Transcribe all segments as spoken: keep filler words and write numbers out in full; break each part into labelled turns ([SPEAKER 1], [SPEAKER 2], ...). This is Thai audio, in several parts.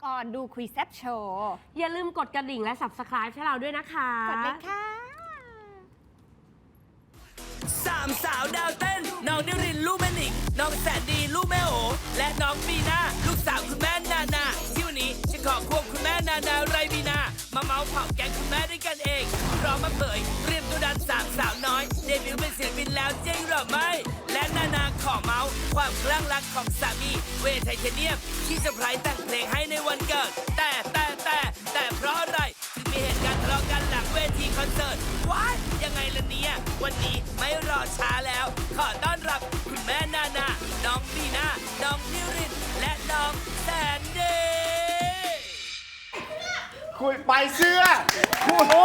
[SPEAKER 1] ออนดูคุยแซบโชว์
[SPEAKER 2] อย่าลืมกดกระดิ่งและ ซับสไครบ์ ให้เราด้วยนะคะ
[SPEAKER 1] กดเลยค่ะ
[SPEAKER 3] สามสาวดาวเต้นน้องนิรินทร์ลูกแม่หนิงน้องแสนดีลูกแม่โอและน้องบีน่าลูกสาวคุณแม่นานาที่วันนี้ฉันขอควบคุณแม่นานาไรบีนามาเมาส์เผาแก๊งคุณแม่ด้วยกันเองพร้อมมาเผยเตรียมตัวดันสามสาวน้อยเดบิวต์เป็นศิลปินแล้วจริงหรือไม่และนานาขอเมาส์ความคลั่งรักของสามีเวทไทเทเนียมที่เซอร์ไพรส์แต่งเพลงให้ในวันเกิดแต่แต่แต่แต่เพราะอะไรถึงมีเหตุการณ์ทะเลาะกันหลังเวทีคอนเสิร์ตว้ายยังไงล่ะเนี่ยวันนี้ไม่รอช้าแล้ว ขอต้อนรับคุณแม่นานาน้องบีน่าน้องนิรินทร์และน้องแสนดี
[SPEAKER 4] คุยไปเสื้อคุย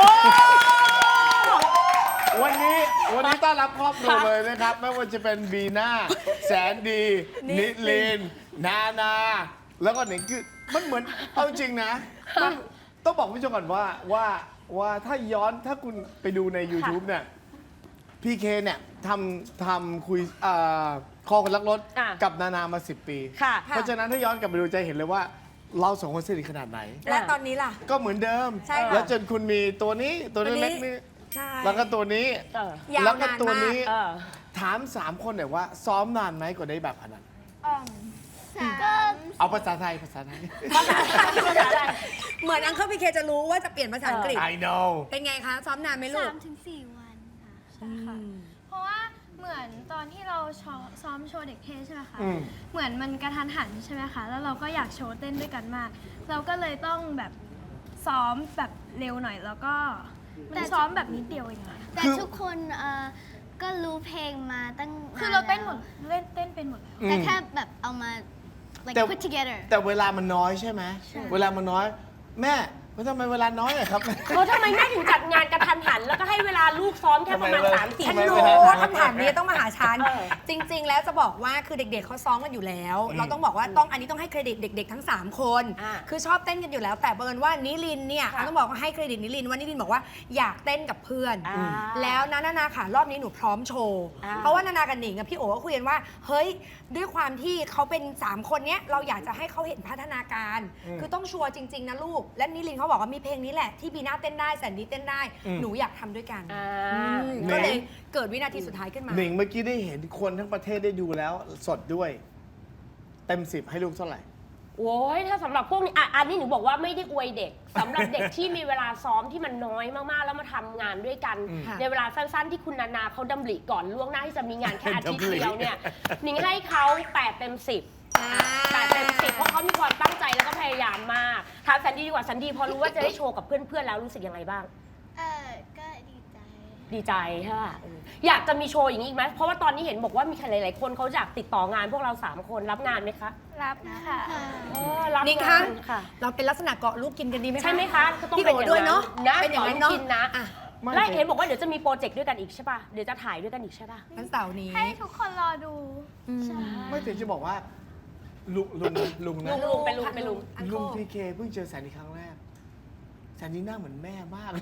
[SPEAKER 4] วันนี้วันนี้ต้อนรับครอบครัวเลยนะครับ ไม่ว่าจะเป็นบีน่าแสนดี นิลิน นานา แล้วก็หนิงคือมันเหมือนเอาจริงนะต้องต้องบอกผู้ชมก่อนว่าว่าว่าถ้าย้อนถ้าคุณไปดูใน YouTube เนี่ยพีเคเนี่ยทำทำคุยอ่าคอคนรักรถ
[SPEAKER 2] อ่ะ
[SPEAKER 4] กับนานามาสิบปี
[SPEAKER 2] ค่ะ
[SPEAKER 4] เพราะฉะนั้นถ้าย้อนกลับไปดูจะเห็นเลยว่าเราสองคนสนิทขนาดไหน
[SPEAKER 1] และตอนนี้ล่ะ
[SPEAKER 4] ก็เหมือนเดิม
[SPEAKER 1] ใช่ค่ะ
[SPEAKER 4] แล้วจนคุณมีตัวนี้ตัว
[SPEAKER 1] ตัวนี้
[SPEAKER 4] เล็กๆนี่
[SPEAKER 1] ใช่
[SPEAKER 4] แล้วก็ตัวนี้
[SPEAKER 2] เออ
[SPEAKER 1] ยาว
[SPEAKER 4] แล้วก็
[SPEAKER 1] นาน
[SPEAKER 4] ตัว
[SPEAKER 1] มาก
[SPEAKER 4] นี้
[SPEAKER 2] เออ
[SPEAKER 4] ถามสามคนหน่อยว่า ซ้อมนานไหมกว่าได้แบบขนาดนั้น
[SPEAKER 1] ก็
[SPEAKER 4] เอาภาษาไทยภาษาไทย
[SPEAKER 2] ภาษาภาษาอะไร
[SPEAKER 1] เหมือนอังเคิลพีเคจะรู้ว่าจะเปลี่ยนภาษาอังกฤษ
[SPEAKER 4] I know
[SPEAKER 1] เป็นไงคะ ซ้อมนานไหมลูก
[SPEAKER 5] สามถึงสี่วันค่ะใช่ค่ะ เพราะว่าเหมือนตอนที่เราซ้อมซ้อมโชว์เด็กเทศใช่ไหมคะ
[SPEAKER 4] อืม
[SPEAKER 5] เหมือนมันกระทันหันใช่ไหมคะ แล้วเราก็อยากโชว์เต้นด้วยกันมาก เราก็เลยต้องแบบซ้อมแบบเร็วหน่อย แล้วก็มันซ้อมแบบนิดเดียวเองอะ
[SPEAKER 6] แต่ทุกคนเอ่อก็รู้เพลงมาตั้ง
[SPEAKER 5] คือเราเต้นหมด
[SPEAKER 6] แล้ว
[SPEAKER 5] เล่นเต้นเป็นหมดแล้ว
[SPEAKER 6] แต่แค่แบบเอามา like
[SPEAKER 4] แต่
[SPEAKER 6] put together
[SPEAKER 4] แต่เวลามันน้อยใช่ไหมเวลามันน้อย แม่ว่าทำไมเวลาน้อยอะครับ
[SPEAKER 2] เออทำไมแม่ถึงจัดงานกระทันหัน แล้วก็ให้เวลาลูกซ้อมแค่ประมาณ
[SPEAKER 4] ทำไม
[SPEAKER 2] สามสี่
[SPEAKER 1] ฉัน
[SPEAKER 4] ทำไม
[SPEAKER 1] รู้
[SPEAKER 4] ไม่ได้
[SPEAKER 1] ว่าคำถามนี้ต้องมาหาฉัน
[SPEAKER 2] เออ
[SPEAKER 1] จริง ๆ แล้วจะบอกว่าคือเด็กๆเขาซ้อมกันอยู่แล้ว เราต้องบอกว่าต้องอันนี้ต้องให้เครดิตเด็ก ๆ ทั้ง 3 คน
[SPEAKER 2] อ่า
[SPEAKER 1] คือชอบเต้นกันอยู่แล้ว แต่บังเอิญว่านิลินเนี่ย
[SPEAKER 2] ค่ะ
[SPEAKER 1] ต้องบอกว่าให้เครดิตนิลินว่านิลินบอกว่าอยากเต้นกับเพื่อน
[SPEAKER 2] อ่า
[SPEAKER 1] แล้วนะนานาค่ะรอบนี้หนูพร้อมโชว์
[SPEAKER 2] อ่า
[SPEAKER 1] เพราะว่านานากับหนิงกับพี่โอ๋ก็คุยกันว่าเฮ้ยด้วยความที่เขาเป็น 3 คนเนี้ยเราอยากจะให้เขาเห็นพัฒนาการ คือต้องชัวร์จริง ๆ นะลูก และนิลินเขาบอกว่ามีเพลงนี้แหละที่บีน่าเต้นได้แสนดีเต้นได้
[SPEAKER 4] อืม
[SPEAKER 1] หนูอยากทำด้วยกัน
[SPEAKER 2] อ่า
[SPEAKER 1] อืมก็เลยเกิดวินาทีสุดท้ายขึ้นมา
[SPEAKER 4] หนิงเมื่อกี้ได้เห็นคนทั้งประเทศได้ดูแล้วสดด้วย เต็มสิบให้ลูกเท่าไหร่
[SPEAKER 2] โอ้ยถ้าสำหรับพวกนี้อ่ะอันนี้หนูบอกว่าไม่ได้อวยเด็กสำหรับเด็กที่มีเวลาซ้อมที่มันน้อยมากๆ แล้วมาทำงานด้วยกัน
[SPEAKER 4] อืม
[SPEAKER 2] ในเวลาสั้นๆ ที่คุณนานาเขาดำริก่อนล่วงหน้าที่จะมีงานแค่อาทิตย์
[SPEAKER 4] ดำริ
[SPEAKER 2] เดียวเนี่ยหนิงให้เขาแปดเต็มสิบแปดเต็มสิบเพราะเขามีความตั้งใจแล้วก็พยายามมากถามสันดีดีกว่าสันดีพอรู้ว่าจะได้โชว์กับเพื่อนๆแล้วรู้สึกยังไงบ้าง
[SPEAKER 6] เออก็ดีใจ
[SPEAKER 2] ดีใจใช่ป่ะเอออยากจะมีโชว์อย่างนี้อีกไหมเพราะว่าตอนนี้เห็นบอกว่ามีใครหลายๆคนเขาอยากติดต่องานพวกเราสามคนรับงานไหมคะ
[SPEAKER 5] รับค่ะ
[SPEAKER 2] เออรับ
[SPEAKER 1] นิง
[SPEAKER 2] งา
[SPEAKER 1] คะ
[SPEAKER 2] นค่ะ
[SPEAKER 1] เราเป็นลักษณะเกาะลูกกินกันดีไหมคะ
[SPEAKER 2] ใช่ไหมคะก็ต้อง
[SPEAKER 1] พี่
[SPEAKER 2] เป็น
[SPEAKER 1] โอ๋
[SPEAKER 2] อย่าง
[SPEAKER 1] ด้วยเนาะ
[SPEAKER 2] นะ
[SPEAKER 1] เป็นอย่างนั้น
[SPEAKER 2] ต่
[SPEAKER 1] เนาะ
[SPEAKER 2] กินนะ
[SPEAKER 1] อ่ะ
[SPEAKER 4] ไม่
[SPEAKER 2] และเห็นบอกว่าเดี๋ยวจะมีโปรเจกต์ด้วยกันอีกใช่ป่ะเดี๋ยวจะถ่ายด้วยกันอีกใช่ป่ะ
[SPEAKER 1] วันเสาร์นี้
[SPEAKER 5] ให้ทุกคนรอดู
[SPEAKER 1] อืม
[SPEAKER 4] ไม่ถึงจะบอกว่า ลุงลุงลุงนะ
[SPEAKER 2] ลุงลุงเป็นลุงเป็นลุง
[SPEAKER 1] อัน
[SPEAKER 4] ลุง
[SPEAKER 1] โค
[SPEAKER 4] พีเคเพิ่งเจอแสนดีครั้งแรกแสนดีหน้าเหมือนแม่มาก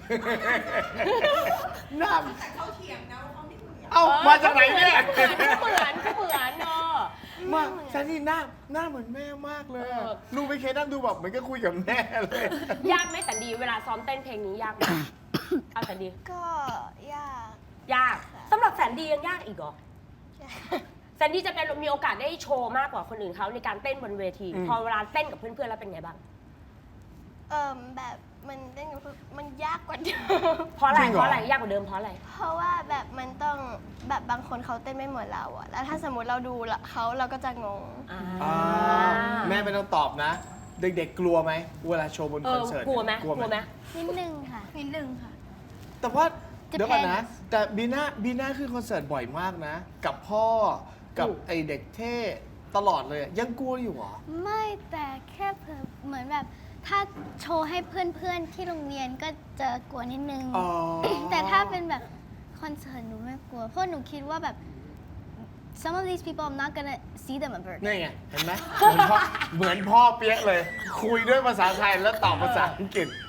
[SPEAKER 4] หน้าเขาเถียงนะว่าเขาไม่เหมือนเอ้ามาจากไหนเนี่ย
[SPEAKER 2] เหมือนก็เหมือนเนาะ
[SPEAKER 4] มาแสนดีหน้าหน้าเหมือนแม่มากเลยอะ
[SPEAKER 2] เออ
[SPEAKER 4] ลุงพีเคนั่งดูแบบเหมือนก็คุยกับแม่เลย
[SPEAKER 2] ยากไหมสันดีเวลาซ้อมเต้นเพลงนี้ยากไหมเอาสันดี
[SPEAKER 6] ก็ยาก
[SPEAKER 2] ยากสำหรับแสนดียังยากอีกเหรอแสนดีจะเป็นมีโอกาสได้โชว์มากกว่าคนอื่นเขาในการเต้นบนเวที
[SPEAKER 4] อืม
[SPEAKER 2] พอเวลาเต้นกับเพื่อนๆแล้วเป็นไงบ้าง
[SPEAKER 6] เอ่มแบบมันเต้นกับเพื่อนมันยากกว่าเดิม
[SPEAKER 2] เพราะอะไร
[SPEAKER 4] จริงเหรอ
[SPEAKER 2] เพราะอะไรยากกว่าเดิมเพราะอะไร
[SPEAKER 6] เพราะว่าแบบมันต้องแบบบางคนเขาเต้นไม่เหมือนเราอะแล้วถ้าสมมติเราดูละเขาเราก็จะงง
[SPEAKER 4] อ่าแม่ไม่ต้องตอบนะ เด็กๆกลัวไหมเวลาโชว์บน
[SPEAKER 2] เอ
[SPEAKER 4] คอ
[SPEAKER 2] อน
[SPEAKER 4] เสิร์ต
[SPEAKER 2] กลัวไหม
[SPEAKER 4] กลัว
[SPEAKER 2] กลัวไหม
[SPEAKER 6] นิดนึงค่ะ
[SPEAKER 5] นิดนึงค่ะ
[SPEAKER 4] แต่ว่า
[SPEAKER 6] Depends
[SPEAKER 4] เดี๋ยวก่อนนะ แต่บีน่าบีน่าขึ้นคอนเสิร์ตบ่อยมากนะ กับพ่อกับไอเด็กเท่ตลอดเลยอะยังกลัวอยู่เหรอ
[SPEAKER 6] ไม่แต่แค่เพิ่มเหมือนแบบถ้าโชว์ให้เพื่อนๆที่โรงเรียนก็จะกลัวนิดนึง
[SPEAKER 4] อ๋อ
[SPEAKER 6] แต่ถ้าเป็นแบบคอนเสิร์ตหนูไม่กลัว เพราะหนูคิดว่าแบบ some of these people I'm not gonna see them ever
[SPEAKER 4] นี่ไง เห็นไหมเหมือนพ่อเหมือนพ่อเปี๊ยกเลย คุยด้วยภาษาไทยแล้วตอบภาษาอังกฤษ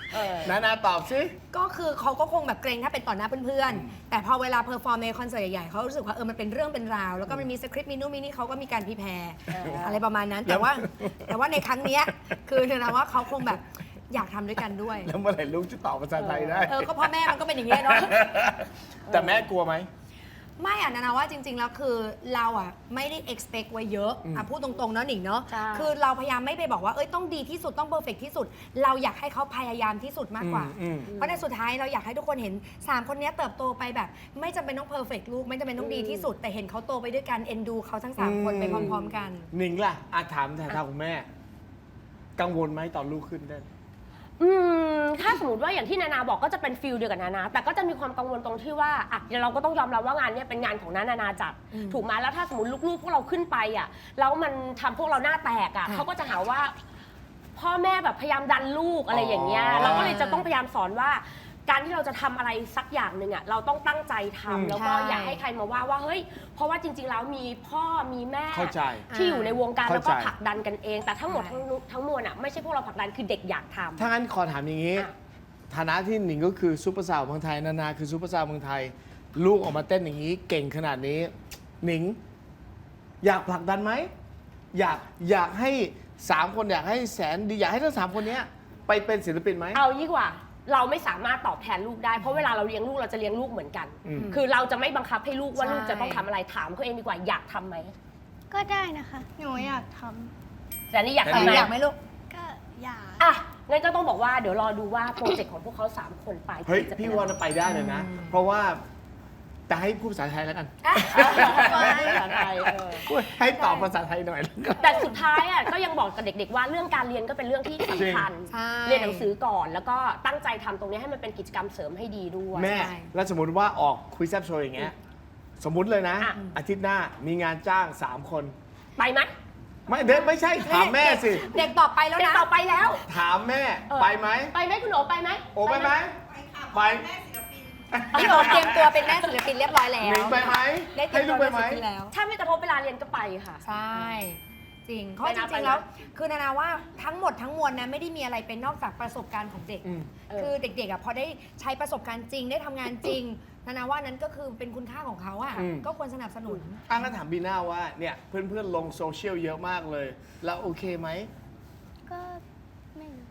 [SPEAKER 2] เออ
[SPEAKER 4] นานาตอบสิ
[SPEAKER 1] ก็คือเขาก็คงแบบเกรงถ้าเป็นต่อหน้าเพื่อนๆ แต่พอเวลาเพอร์ฟอร์มในคอนเสิร์ตใหญ่ๆเขารู้สึกว่าเออมันเป็นเรื่องเป็นราว แล้วก็มันมีสคริปต์มีนู่นมีนี่เขาก็มีการพรีแพร์อะไรประมาณนั้น แต่ว่าแต่ว่าในครั้งเนี้ยคือเธอนะว่าเขาคงแบบอยากทำด้วยกันด้วย
[SPEAKER 4] แล้วเมื่อไหร่ลูกจะตอบภาษาไทยได้
[SPEAKER 1] เออก็พ่อแม่มันก็เป็นอย่างนี้ยเนาะ
[SPEAKER 4] แต่แม่กลัวไหม
[SPEAKER 1] ไม่อ่ะนะนะว่าจริง ๆ แล้วคือเราอ่ะไม่ได้ expect ไว้เยอะอ่ะพูดตรงๆเนาะหนิงเนาะ
[SPEAKER 2] ใช่
[SPEAKER 1] คือเราพยายามไม่ไปบอกว่าเอ้ยต้องดีที่สุดต้อง perfect ที่สุด เราอยากให้เขาพยายามที่สุดมากกว่า
[SPEAKER 4] อืมอืม
[SPEAKER 1] เพราะในสุดท้ายเราอยากให้ทุกคนเห็น 3 คนเนี้ยเติบโตไปแบบ ไม่จำเป็นต้อง perfect ลูกไม่จำเป็นต้องดีที่สุด แต่เห็นเขาโตไปด้วยกันเอ็นดูเขาทั้ง 3 คนไปพร้อม ๆ กัน
[SPEAKER 4] หนิงล่ะอาถามแทนทางคุณแม่ กังวลไหมตอนลูกขึ้นเต้น
[SPEAKER 2] อืมถ้าสมมติว่าอย่างที่นานาบอกก็จะเป็นฟิลเดียวกับนานาแต่ก็จะมีความกังวลตรงที่ว่าอ่ะเดี๋ยวเราก็ต้องยอมรับว่างานเนี้ยเป็นงานของนานานาจัด
[SPEAKER 1] อืม
[SPEAKER 2] ถูกไหมแล้วถ้าสมมติลูกๆพวกเราขึ้นไปอ่ะแล้วมันทำพวกเราหน้าแตกอ่ะ
[SPEAKER 1] ค่ะ
[SPEAKER 2] เขาก็จะหาว่า พ่อแม่แบบพยายามดันลูกอะไรอย่างเงี้ย
[SPEAKER 4] อ๋อ
[SPEAKER 2] เราก็เลยจะต้องพยายามสอนว่า การที่เราจะทำอะไรสักอย่างหนึ่งอ่ะเราต้องตั้งใจทำ
[SPEAKER 4] อืม
[SPEAKER 2] แล้วก็
[SPEAKER 1] ใช่
[SPEAKER 2] อย่าให้ใครมาว่าว่าเฮ้ยเพราะว่าจริง ๆ แล้วมีพ่อมีแม่
[SPEAKER 4] เข้าใจ
[SPEAKER 2] ที่อยู่ในวงการแล้วก็
[SPEAKER 4] เข้าใจ
[SPEAKER 2] ผลักดันกันเอง แต่ทั้งหมดทั้งนุทั้งมวลอ่ะไม่ใช่พวกเราผลักดันคือเด็กอยากทำ
[SPEAKER 4] ถ้างั้นขอถามอย่างนี้
[SPEAKER 2] อ่ะ
[SPEAKER 4] ฐานะที่หนิงก็คือซูเปอร์สาวเมืองไทย นานาคือซูเปอร์สาวเมืองไทย ลูกออกมาเต้นอย่างนี้ เก่งขนาดนี้ หนิง อยากผลักดันไหม อยากอยากให้สามคนอยากให้แสนดีอยากให้ทั้งสามคนเนี้ยไปเป็นศิลปินไหม
[SPEAKER 2] เอายี่กว่าเราไม่สามารถตอบแทนลูกได้เพราะเวลาเราเลี้ยงลูกเราจะเลี้ยงลูกเหมือนกัน
[SPEAKER 4] อืม
[SPEAKER 2] คือเราจะไม่บังคับให้ลูกว่า
[SPEAKER 1] ใช่
[SPEAKER 2] ลูกจะต้องทำอะไรถามเขาเองดีกว่าอยากทำไหม
[SPEAKER 6] ก็ได้นะคะ
[SPEAKER 5] หนูอยากท
[SPEAKER 2] แต่นี่อยาก
[SPEAKER 1] เอ
[SPEAKER 2] ทำ
[SPEAKER 1] อ
[SPEAKER 2] ไหม
[SPEAKER 1] อยากไหมลูก
[SPEAKER 5] ำก็อยาก
[SPEAKER 2] อ่ะงั้นก็ต้องบอกว่าเดี๋ยวรอดูว่าโปรเจกต์ของพวกเขาสามคนปลายปี
[SPEAKER 4] เฮ้ย
[SPEAKER 2] จะเป็น
[SPEAKER 4] พี่
[SPEAKER 2] อะไร
[SPEAKER 4] ว่าจะไปได้เลยนะ เพราะว่าแต่ให้พูดภาษาไทยแล้วกัน
[SPEAKER 2] ภาษาไทยเออ
[SPEAKER 4] ให้ตอบภาษาไทยหน่อยแล้วกัน
[SPEAKER 2] แต่สุดท้ายอ่ะก็ยังบอกกับเด็กๆว่าเรื่องการเรียนก็เป็นเรื่องที่สำคัญ
[SPEAKER 1] ใช่
[SPEAKER 2] เรียนหนังสือก่อน แล้วก็ตั้งใจทำตรงนี้ให้มันเป็นกิจกรรมเสริมให้ดีด้วย
[SPEAKER 4] แม่
[SPEAKER 1] ใช่
[SPEAKER 4] แล้วสมมติว่าออกคุยแซบโชว์อย่างเงี้ย สมมุติเลยนะ
[SPEAKER 2] อ่ะ
[SPEAKER 4] อาทิตย์หน้ามีงานจ้างสามคน
[SPEAKER 2] ไปไหม
[SPEAKER 4] ไม่เด็กไม่ใช่ถามแม่สิ
[SPEAKER 1] เด็กตอบไปแล้ว
[SPEAKER 2] เด็ก
[SPEAKER 1] นะ
[SPEAKER 2] ต่อไปแล้ว
[SPEAKER 4] ถามแม่
[SPEAKER 2] เออ
[SPEAKER 4] ไปไหม
[SPEAKER 2] ไปไหมคุณโอไปไหม
[SPEAKER 4] โอ้ไปไหมไป
[SPEAKER 1] พี่โอเตรียมตัวเป็นแม่ศิลปินเรียบร้อยแล้
[SPEAKER 4] หนิ
[SPEAKER 1] ว
[SPEAKER 4] งไปไหม
[SPEAKER 1] ได้เตรี
[SPEAKER 4] ให้
[SPEAKER 1] ยม
[SPEAKER 4] ลู
[SPEAKER 1] ตั
[SPEAKER 4] ก
[SPEAKER 1] ว
[SPEAKER 4] ไป
[SPEAKER 1] เป็น
[SPEAKER 4] ไหม
[SPEAKER 1] ศิลปินแล้ว
[SPEAKER 2] ถ้าไม่กระทบเวลาเรียนก็ไปค่ะ
[SPEAKER 1] ใช่ จริงเพราะ
[SPEAKER 2] ไป
[SPEAKER 1] จ
[SPEAKER 2] นะ
[SPEAKER 1] ริง
[SPEAKER 2] ไปนะ
[SPEAKER 1] ๆแล้วคือนานาว่าทั้งหมดทั้งมวลนะไม่ได้มีอะไรเป็นนอกจากประสบการณ์ของเด็ก
[SPEAKER 4] อืม
[SPEAKER 1] คือเด็กๆอ่ะพอได้ใช้ประสบการณ์จริงได้ทำงานจริง นานาว่านั้นก็คือเป็นคุณค่าของเขาอ่ะ
[SPEAKER 4] อืม
[SPEAKER 1] ก็ควรสนับสนุน
[SPEAKER 4] อ่ะงั้นถามบีน่าว่าเนี่ยเพื่อนๆลงโซเชียลเยอะมากเลย แล้วโอเคไหม
[SPEAKER 6] ก็ไม่รู้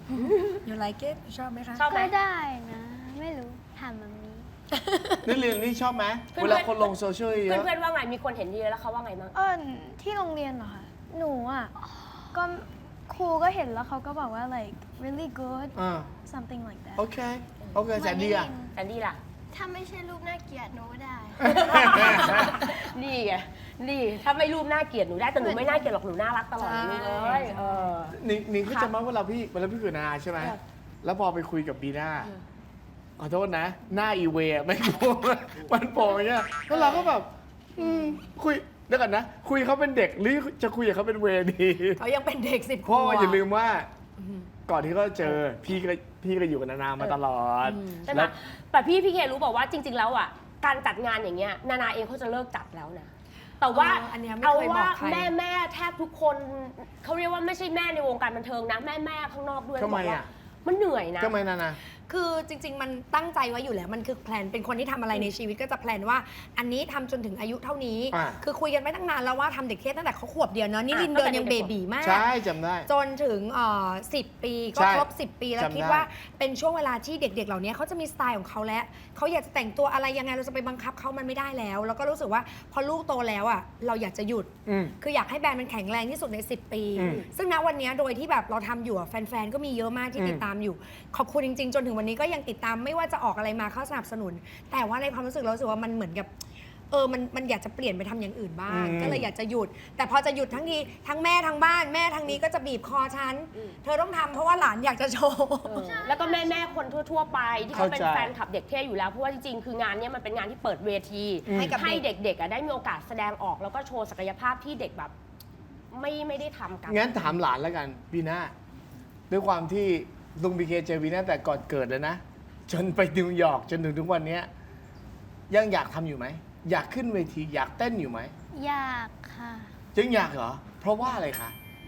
[SPEAKER 1] You like it ชอบไหมคะ
[SPEAKER 2] ชอบไหม
[SPEAKER 6] ก็ได้นะ ไม่รู้ถามมันนี้
[SPEAKER 4] นี่เรียนนี่ชอบไหม
[SPEAKER 2] เพื่อนๆ
[SPEAKER 4] เวลาคนลงโซเชียลเยอะ
[SPEAKER 2] เพื่อนๆว่าไงมีคนเห็นดีแล้วเขาว่าไงบ้าง
[SPEAKER 5] เออที่โรงเรียนเหรอคะ หนูอ่ะ ก็ครูก็เห็นแล้วเขาก็บอกว่า like really good
[SPEAKER 4] อ่า
[SPEAKER 5] something like that
[SPEAKER 4] โอเค โอเคแสนดีอ่ะ
[SPEAKER 2] แอนดี้ล่ะ
[SPEAKER 5] ถ้าไม่ใช่รูปน่าเกลียดหนูก็ได้
[SPEAKER 2] นี่ไง นี่ถ้าไม่รูปน่าเกลียดหนูได้แต่หนูไม่น่าเกลียดหรอกหนูน่ารักตลอดเลยลูกเอ้ยเออ
[SPEAKER 4] นิงนิงก็จะมาเวลาพี่เวลาพี่คุยกับนานาใช่ไหม
[SPEAKER 2] ครับ
[SPEAKER 4] แล้วพอไปคุยกับบีน่าขอโทษนะ หน้าอีเวย์ไม่รู้มันโผล่อย่างเงี้ยแล้วเราก็แบบอืมคุยเดี๋ยวก่อนนะ คุยเขาเป็นเด็กหรือจะคุยกับเขาเป็นเวย์ดี
[SPEAKER 1] เขายังเป็นเด็กสิบข
[SPEAKER 4] เพราะ
[SPEAKER 1] ว
[SPEAKER 4] ว่า
[SPEAKER 1] บ
[SPEAKER 4] อย่าลืมว่าก่อนที่เขาเจอพี่ก็พี่ก็อยู่กับนานามาตลอด
[SPEAKER 2] ใช่ไหม
[SPEAKER 4] แล้ว
[SPEAKER 2] แต่พี่พี่เครู้บอกว่าจริง ๆ แล้วอ่ะการจัดงานอย่างเงี้ยนานาเองเขาจะเลิกจัดแล้วนะแต่ว่า
[SPEAKER 1] เอออันเนี้ยไม่
[SPEAKER 2] เอา
[SPEAKER 1] เคยบ
[SPEAKER 2] ว่า
[SPEAKER 1] อกใคร
[SPEAKER 2] แม่แม่แทบทุกคนเขาเรียกว่าไม่ใช่แม่ในวงการบันเทิงนะแม่แม่ข้างนอกด้วย
[SPEAKER 4] ทำไม
[SPEAKER 2] บอกว่า
[SPEAKER 4] อ่ะ
[SPEAKER 2] มันเหนื่อยนะ
[SPEAKER 4] ทำไมนานา
[SPEAKER 1] คือจริง ๆ มันตั้งใจไว้อยู่แล้ว มันคือแพลน เป็นคนที่ทำอะไรในชีวิตก็จะแพลนว่า อันนี้ทำจนถึงอายุเท่านี้
[SPEAKER 4] อ่า
[SPEAKER 1] คือคุยกันไม่ตั้งนานแล้วว่าทำเด็กเทศตั้งแต่เขาขวบเดียวเนาะ นี่
[SPEAKER 2] อ่ะ
[SPEAKER 1] ลินเดิน
[SPEAKER 2] ตั้งแต่
[SPEAKER 1] ยัง
[SPEAKER 2] เด็
[SPEAKER 1] เบ
[SPEAKER 2] กๆ
[SPEAKER 1] บีมาก
[SPEAKER 4] ใช่จำได้
[SPEAKER 1] จนถึงสิบปีก็
[SPEAKER 4] ใช่
[SPEAKER 1] ครบสิบปีแล้ว
[SPEAKER 4] จำได้
[SPEAKER 1] คิดว่าเป็นช่วงเวลาที่เด็ก ๆ เหล่านี้เขาจะมีสไตล์ของเขาแล้วเขาอยากจะแต่งตัวอะไรยังไงเราจะไปบังคับเขามันไม่ได้แล้ว แล้วก็รู้สึกว่าพอลูกโตแล้วอ่ะเราอยากจะหยุด
[SPEAKER 4] อืม
[SPEAKER 1] คืออยากให้แบรนด์มันแข็งแรงที่สุดใน สิบ ปี
[SPEAKER 4] อืม
[SPEAKER 1] ซึ่งณวันนี้โดยที่แบบเราทำอยู่อะแฟนๆ ก็มีเยอะมากที่
[SPEAKER 4] อืม
[SPEAKER 1] ติดตามอยู่ ขอบคุณจริง ๆ จนถึงวันนี้ก็ยังติดตามไม่ว่าจะออกอะไรมาเขาสนับสนุน แต่ว่าในความรู้สึกเรารู้สึกว่ามันเหมือนกับเออมันมันอยากจะเปลี่ยนไปทำอย่างอื่นบ้าง
[SPEAKER 4] อืม
[SPEAKER 1] ก็เลยอยากจะหยุด แต่พอจะหยุดทั้งทีทั้งแม่ทั้งบ้านแม่ทั้งนี้ก็จะบีบคอฉัน เธอต้องทำเพราะว่าหลานอยากจะโชว์
[SPEAKER 2] เออแล้วก็แม่แม่ๆคนทั่ว ๆ ไปที่เขาเป็น
[SPEAKER 4] เข้าใจ
[SPEAKER 2] แฟนคลับเด็กเท่อยู่แล้วเพราะว่าจริงๆคืองานเนี้ยมันเป็นงานที่เปิดเวที
[SPEAKER 4] อืม
[SPEAKER 1] ให้กับ
[SPEAKER 2] ให้เด็กๆอ่ะได้มีโอกาสแสดงออกแล้วก็โชว์ศักยภาพที่เด็กแบบไม่ไม่ได้ทำกัน
[SPEAKER 4] งั้นถามหลานแล้วกันบีน่าด้วยความที่ลุงบีเคเจอบีน่าแต่ก่อนเกิดเลยนะ จนไปนิวยอร์กจนถึงทุกวันเนี้ยยังอยากทำอยู่ไหม อยากขึ้นเวทีอยากเต้นอยู่ไหม
[SPEAKER 6] อยากค่ะ
[SPEAKER 4] ยังอยากเหรอ เพราะว่าอะไรคะ
[SPEAKER 6] เพ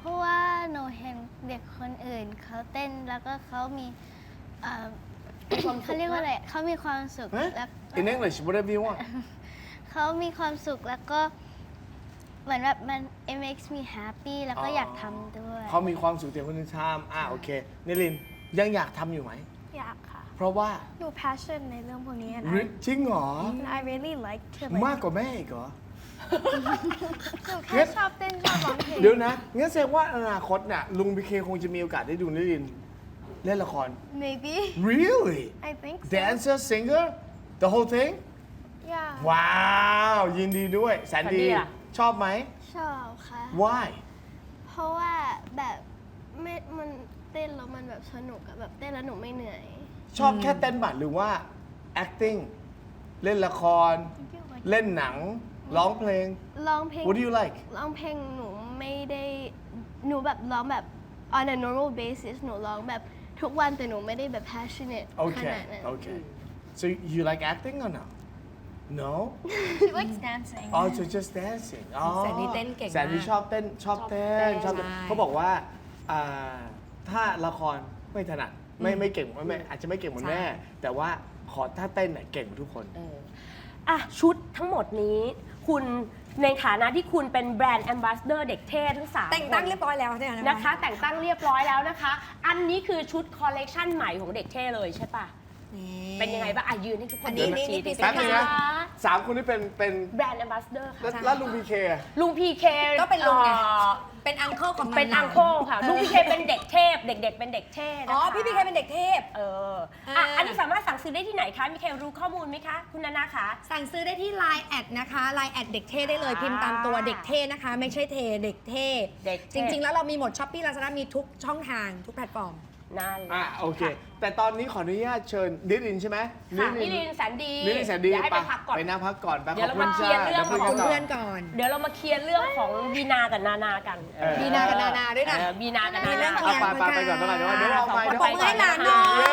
[SPEAKER 6] ราะว่าหนูเห็นเด็กคนอื่นเขาเต้นแล้วก็เขามีเอ่อเขาเรียกว่าอะไรเขามีความสุข
[SPEAKER 4] Huh?
[SPEAKER 6] แล้ว
[SPEAKER 4] In English whatever you want
[SPEAKER 6] เขามีความสุขแล้วก็เหมือนแบบมัน it makes me happy แล้วก็
[SPEAKER 4] อ๋อ
[SPEAKER 6] อ
[SPEAKER 4] อ
[SPEAKER 6] ยากทำด้วย
[SPEAKER 4] เขามีความสุขเดียวคนอื่นทำอ่ะโอเคนิลินยังอยากทำอยู่ไหม
[SPEAKER 5] อยากค่ะ
[SPEAKER 4] เพราะว่า
[SPEAKER 5] หนู passion ในเรื่องพวกนี้ and I
[SPEAKER 4] จริงเหรอ
[SPEAKER 5] and I really like to
[SPEAKER 4] มาก
[SPEAKER 5] like
[SPEAKER 4] กว่าแม่อีกเหรอ
[SPEAKER 5] หนูแค่ชอบเต้นชอบร้องเพลง
[SPEAKER 4] เดี๋ยวนะ งั้นแสดงว่าอนาคตน่ะลุงพีเคคงจะมีโอกาสได้ดูนิลินเล่นละคร
[SPEAKER 5] maybe
[SPEAKER 4] Really
[SPEAKER 5] I think so
[SPEAKER 4] Dancer singer the whole thing
[SPEAKER 5] yeah
[SPEAKER 4] ว้าว ยินดีด้วยแสนดี
[SPEAKER 2] แสนดีล่ะ
[SPEAKER 4] ชอบไหม
[SPEAKER 6] ชอบค่ะ
[SPEAKER 4] Why
[SPEAKER 6] เพราะว่าแบบไม่มันเต้นแล้วมันแบบสนุกอะแบบเต้นแล้วหนูไม่เหนื่อย
[SPEAKER 4] ชอบแค่เต้นบัตรหรือว่า acting เล่นละคร เล่นหนัง ร้องเพลง
[SPEAKER 6] ร้องเพลง
[SPEAKER 4] What do you like
[SPEAKER 6] ร้องเพลงหนูไม่ได้หนูแบบร้องแบบ on a normal basis หนูร้องแบบทุกวันแต่หนูไม่ได้แบบ passionate ข
[SPEAKER 4] Okay
[SPEAKER 6] นาดนั้น
[SPEAKER 4] okay so you like acting or no No
[SPEAKER 5] she likes dancing
[SPEAKER 4] Oh so just dancing อ๋อ
[SPEAKER 1] แสนดีเต้นเก่งมาก
[SPEAKER 4] แสนดีชอบเต้นชอบเต้นชอบเต้น
[SPEAKER 1] ใช่
[SPEAKER 4] เขาบอกว่าอ่าถ้าละครไม่ถนัดไม่ไม่เก่งไม่ไม่อาจจะไม่เก่งเหมือนแม่ แต่ว่าขอถ้าเต้นเนี่ยเก่งกว่าทุกคน
[SPEAKER 2] เอออ่ะชุดทั้งหมดนี้ คุณในฐานะที่คุณเป็นแบรนด์แอมบาสเดอร์เด็กเท่ทั้งสาม
[SPEAKER 1] แต่งตั้ง
[SPEAKER 2] คน
[SPEAKER 1] เรียบร้อยแล้วเนี่ย
[SPEAKER 2] นะคะ แต่งตั้งเรียบร้อยแล้วนะคะ อันนี้คือชุดคอลเลกชันใหม่ของเด็กเท่เลยใช่ปะเป็นยังไงบ้างอ่ะยืนให้ทุกคน
[SPEAKER 1] อันนี้
[SPEAKER 2] ดู
[SPEAKER 1] นี่
[SPEAKER 2] ที
[SPEAKER 1] นี่
[SPEAKER 2] ดิ
[SPEAKER 1] พรีเซ
[SPEAKER 4] แป๊
[SPEAKER 1] น
[SPEAKER 4] บ
[SPEAKER 1] เต
[SPEAKER 4] นึ
[SPEAKER 1] อง ร์
[SPEAKER 4] นะสามคนนี้เป็นเป็น
[SPEAKER 2] แบรนด์แอมบาสเดอร์ค่ะ
[SPEAKER 4] แล้วแล้วลุงพีเค
[SPEAKER 2] ลุงพีเค
[SPEAKER 1] ก็เป็นลุงไง เป็นอังเคิลของ
[SPEAKER 2] เป็น
[SPEAKER 1] หลา
[SPEAKER 2] อั
[SPEAKER 1] น
[SPEAKER 2] งโคค่ะ ลุงพีเคเป็นเด็กเทพ เด็ก ๆ เป็นเด็กเทพนะคะ
[SPEAKER 1] อ๋อ พี่พีเคเป็นเด็กเทพ
[SPEAKER 2] เออ
[SPEAKER 1] อ่า
[SPEAKER 2] อ่ะอันนี้สามารถสั่งซื้อได้ที่ไหนคะ มีใครรู้ข้อมูลไหมคะ คุณนานาคะ
[SPEAKER 1] สั่งซื้อได้ที่ ไลน์ แอดนะคะ ไลน์ แอดเด็กเท่ได้เลย
[SPEAKER 2] อ่า
[SPEAKER 1] พิมพ์ตามตัวเด็กเท่นะคะ ไม่ใช่เทเด็กเท่
[SPEAKER 2] เด็กเท่
[SPEAKER 1] จริง ๆ แล้วเรามีหมดช้อปปี้ลาซาด้ามีทุกช่องทางทุกแพลตฟอร์ม
[SPEAKER 2] นั่นแหละ
[SPEAKER 4] อ่ะโอเค แต่ตอนนี้ขออนุญาตเชิญนิรินใช่ไหม
[SPEAKER 2] ค่ะนิรินแสนดี
[SPEAKER 4] นิรินแสนดี
[SPEAKER 2] เดี๋ยวให้ไปพักก่อน
[SPEAKER 4] ไปนั่งพักก่อนไป
[SPEAKER 2] เดี๋
[SPEAKER 4] ข
[SPEAKER 2] ย
[SPEAKER 4] อ
[SPEAKER 2] ว
[SPEAKER 4] บ
[SPEAKER 2] เรา
[SPEAKER 4] คุณ
[SPEAKER 2] มาเคลียร์
[SPEAKER 4] จ้า
[SPEAKER 2] เรื่อง
[SPEAKER 4] ดี๋ยว
[SPEAKER 1] ข
[SPEAKER 4] คุ
[SPEAKER 1] อย ง
[SPEAKER 4] กันต่
[SPEAKER 1] เพื่อนก่อน
[SPEAKER 2] เดี๋ยวเรามาเคลียร์เรื่องของบีนากับนานากัน
[SPEAKER 4] เออ
[SPEAKER 1] บีนากับนานาด้วยนะ
[SPEAKER 2] เออบีนากับ
[SPEAKER 1] มี
[SPEAKER 2] นา
[SPEAKER 1] เรื่
[SPEAKER 2] นา
[SPEAKER 1] อง
[SPEAKER 4] เอาไปไปไปก่อนไปก่อนเดี๋ยวเดี๋ยวเอาไป
[SPEAKER 2] สองคน
[SPEAKER 4] เดี๋ยว
[SPEAKER 2] ไป
[SPEAKER 4] เอา
[SPEAKER 2] ก่อน
[SPEAKER 1] ให้หลานหน่
[SPEAKER 2] นะ
[SPEAKER 1] อย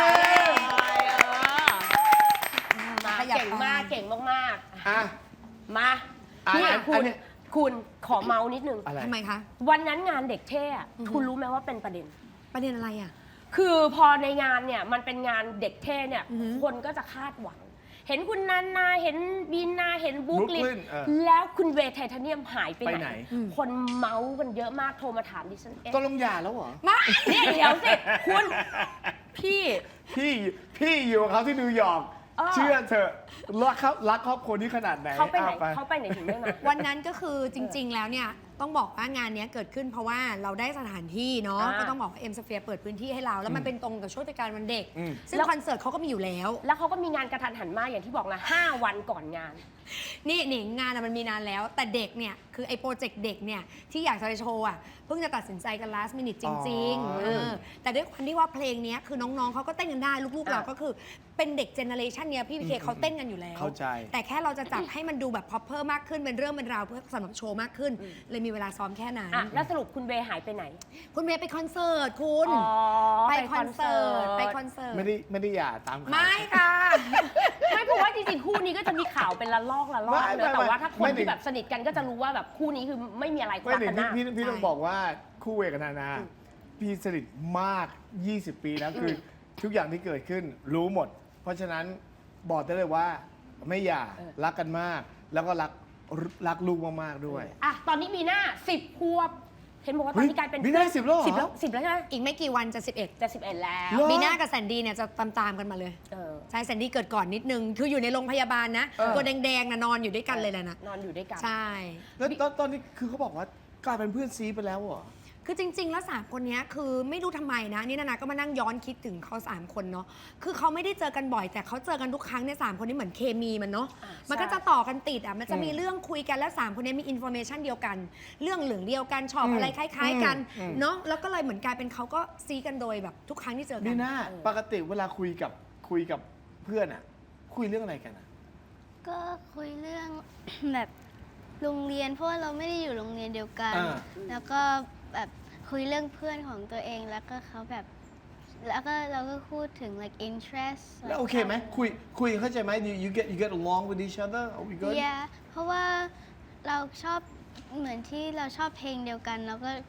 [SPEAKER 2] มา
[SPEAKER 1] ขยับ
[SPEAKER 2] เก่งมาก
[SPEAKER 1] ไป
[SPEAKER 2] เก่งมากๆ
[SPEAKER 4] อ่ะ
[SPEAKER 2] มา
[SPEAKER 4] อ่ะ
[SPEAKER 2] นี่
[SPEAKER 4] อัน
[SPEAKER 2] คุ
[SPEAKER 4] อั
[SPEAKER 2] ณ
[SPEAKER 4] นนี้
[SPEAKER 2] คุณขอเมาส์นิดนึง
[SPEAKER 4] อะไร
[SPEAKER 1] ทำไมคะ
[SPEAKER 2] วันนั้นงานเด็กเท่อะคุณรู้ไหมว่าเป็นประเด็น
[SPEAKER 1] ประเด็นอะไรอ่ะ
[SPEAKER 2] คือพอในงานเนี่ยมันเป็นงานเด็กเท่เนี่ย
[SPEAKER 1] อือหือ
[SPEAKER 2] คนก็จะคาดหวัง เห็นคุณนันนาเห็นบีนาเห็นบุ๊กลิน
[SPEAKER 4] Brooklyn เออ
[SPEAKER 2] แล้วคุณเวย์ไทเทเนียมหายไป
[SPEAKER 4] ไป
[SPEAKER 2] ไห
[SPEAKER 4] ไห
[SPEAKER 2] น
[SPEAKER 4] น
[SPEAKER 2] คนเมาส์กันเยอะมากโทรมาถามดิฉันเอ๊ะ
[SPEAKER 4] ตกลงหย่าแล้วเหรอ
[SPEAKER 1] มา
[SPEAKER 2] เนี่ยเดี๋ยวสิคุณพี่
[SPEAKER 4] พี่พี่อยู่กับเขาที่นิวยอร์ก
[SPEAKER 2] เออ
[SPEAKER 4] เชื่อเถอะรักเขารักครอบครัวนี้ขนาดไหน
[SPEAKER 2] เขาไปไหน
[SPEAKER 4] อ่ะ
[SPEAKER 2] เขาไปไหนถึงได้มา
[SPEAKER 1] วันนั้นก็คือจริง ๆ แล้วเนี่ยต้องบอกว่างานเนี้ยเกิดขึ้นเพราะว่าเราได้สถานที่เนาะ
[SPEAKER 2] อ่า
[SPEAKER 1] ก็ต้องบอกว่าเอ็มสเฟียร์เปิดพื้นที่ให้เรา แล้วมันเป็นตรงกับช่วงเทศกาลวันเด็ก
[SPEAKER 4] อืม
[SPEAKER 1] ซึ่ง
[SPEAKER 2] แล้ว
[SPEAKER 1] คอนเสิร์ตเขาก็มีอยู่แล้ว
[SPEAKER 2] แล้วเขาก็มีงานกระทันหันมากอย่างที่บอกนะห้าวันก่อนงาน
[SPEAKER 1] นี่หนิงงานอะมันมีนานแล้ว แต่เด็กเนี่ยคือไอ้โปรเจกต์เด็กเนี่ยที่อยากจะไปโชว์อ่ะเพิ่งจะตัดสินใจกัน last minute จริง
[SPEAKER 4] อ๋อ
[SPEAKER 1] ๆเออแต่ด้วยความที่ว่าเพลงเนี้ยคือน้องๆเขาก็เต้นกันได้ลูกๆ
[SPEAKER 2] อ่ะ
[SPEAKER 1] เราก็คือเป็นเด็กเจเนอเรชันเนี้ยพี่พีเคเขาเต้นกันอยู่แล้ว
[SPEAKER 4] เข้าใจ
[SPEAKER 1] แต่แค่เราจะจับให้มันดูแบบ proper มากขึ้นเป็นเรื่องเป็นราวเพื่อสำหรับโชว์มากขึ้น เลยมีเวลาซ้อมแค่นั้น
[SPEAKER 2] อ่ะแล้วสรุปคุณเวย์หายไปไหน
[SPEAKER 1] คุณเมย์ไปคอนเสิร์ตคุณ
[SPEAKER 2] อ๋อ
[SPEAKER 1] ไปคอนเสิร์ตไปคอนเสิร์ต
[SPEAKER 4] ไม่ได้ไม่ได้หย่าตามข่าว
[SPEAKER 1] ไม่ค่ะ
[SPEAKER 2] ไม่เพราะว่าจริงๆคู่นี้ก็จะมีข่าวเป็นละลอกละลอก
[SPEAKER 4] ไม่
[SPEAKER 2] เนอะ
[SPEAKER 4] ไม่
[SPEAKER 2] แต่ว่าถ้าค
[SPEAKER 4] ไม่
[SPEAKER 2] น
[SPEAKER 4] ถึ
[SPEAKER 2] ที่
[SPEAKER 4] ง
[SPEAKER 2] แบบสนิทกันก็จะรู้ว่าแบบคู่นี้คือไม่มีอะไร
[SPEAKER 4] ไม่
[SPEAKER 2] รัก
[SPEAKER 4] หนิ
[SPEAKER 2] กั
[SPEAKER 4] ง
[SPEAKER 2] นหน้า
[SPEAKER 4] พี่พี่พี่ต้อง
[SPEAKER 1] ใช่
[SPEAKER 4] บอกว่าคู่เวกับนานาพี่สนิทมาก ยี่สิบ ปีนะคือทุกอย่างที่เกิดขึ้นรู้หมด เพราะฉะนั้นบอกได้เลยว่าไม่หย่ารักกันมาก แล้วก็รักรักลูกมากๆด้วย
[SPEAKER 2] อ่ะตอนนี้มีหน้าสิบขวบ เห็นบอกว่าตอนนี้กลายเป็น
[SPEAKER 4] มีหน้าสิบแล้วเหรอ
[SPEAKER 2] สิบแล้วสิบแล้วใช่ไหม
[SPEAKER 1] อีกไม่กี่วันจะ สิบเอ็ด
[SPEAKER 2] จะสิบเอ็ดแล้ว
[SPEAKER 4] เหรอ
[SPEAKER 1] บีน่ากับแซนดี้เนี่ยจะตามๆกันมาเลย
[SPEAKER 2] เออ
[SPEAKER 1] ใช่แซนดี้เกิดก่อนนิดนึง คืออยู่ในโรงพยาบาลนะ
[SPEAKER 4] เออ
[SPEAKER 1] ตัวแดงๆนะนอนอยู่ด้วยกันเลยแหละนะ
[SPEAKER 2] นอนอยู่ด้วยกัน
[SPEAKER 1] ใช่
[SPEAKER 4] แล้วตอนตอนนี้คือเขาบอกว่ากลายเป็นเพื่อนซีไปแล้วเหรอ
[SPEAKER 1] คือจริง ๆ แล้วสามคนเนี้ยคือไม่รู้ทำไมนะ นี่นานาก็มานั่งย้อนคิดถึงเขาสามคนเนาะคือเขาไม่ได้เจอกันบ่อยแต่เขาเจอกันทุกครั้งเนี่ยสามคนนี้เหมือนเคมีมันเนาะ
[SPEAKER 2] อ่า
[SPEAKER 1] มันก็
[SPEAKER 2] ใช่
[SPEAKER 1] จะต่อกันติดอ่ะมันจะมี
[SPEAKER 4] อืม
[SPEAKER 1] เรื่องคุยกันแล้วสามคนนี้มีอินโฟเมชันเดียวกัน เรื่องเหลืองเดียวกันชอบ
[SPEAKER 4] อืม
[SPEAKER 1] อะไรคล้าย ๆ กัน
[SPEAKER 4] อืม
[SPEAKER 1] เนาะแล้วก็เลยเหมือนกลายเป็นเขาก็ซีกันโดยแบบทุกครั้งที่เจอกั
[SPEAKER 4] บี
[SPEAKER 1] น
[SPEAKER 4] น่าปกติเวลาคุยกับคุยกับเพื่อนอะคุยเรื่องอะไรกันอะ
[SPEAKER 6] ก็คุยเรื่อง แบบโรงเรียนเพราะว่าเราไม่ได้อยู่โรงเรียนเดียวกัน
[SPEAKER 4] อ่า
[SPEAKER 6] แล้วก็แบบคุยเรื่องเพื่อนของตัวเองแล้วก็เขาแบบ แล้วก็เราก็พูดถึง like interest
[SPEAKER 4] แล้วโอเคไหมคุยคุยเข้าใจไหม you you get you get along with each other are we good
[SPEAKER 6] yeah เพราะว่าเราชอบเหมือนที่เราชอบเพลงเดียวกัน แล้วก็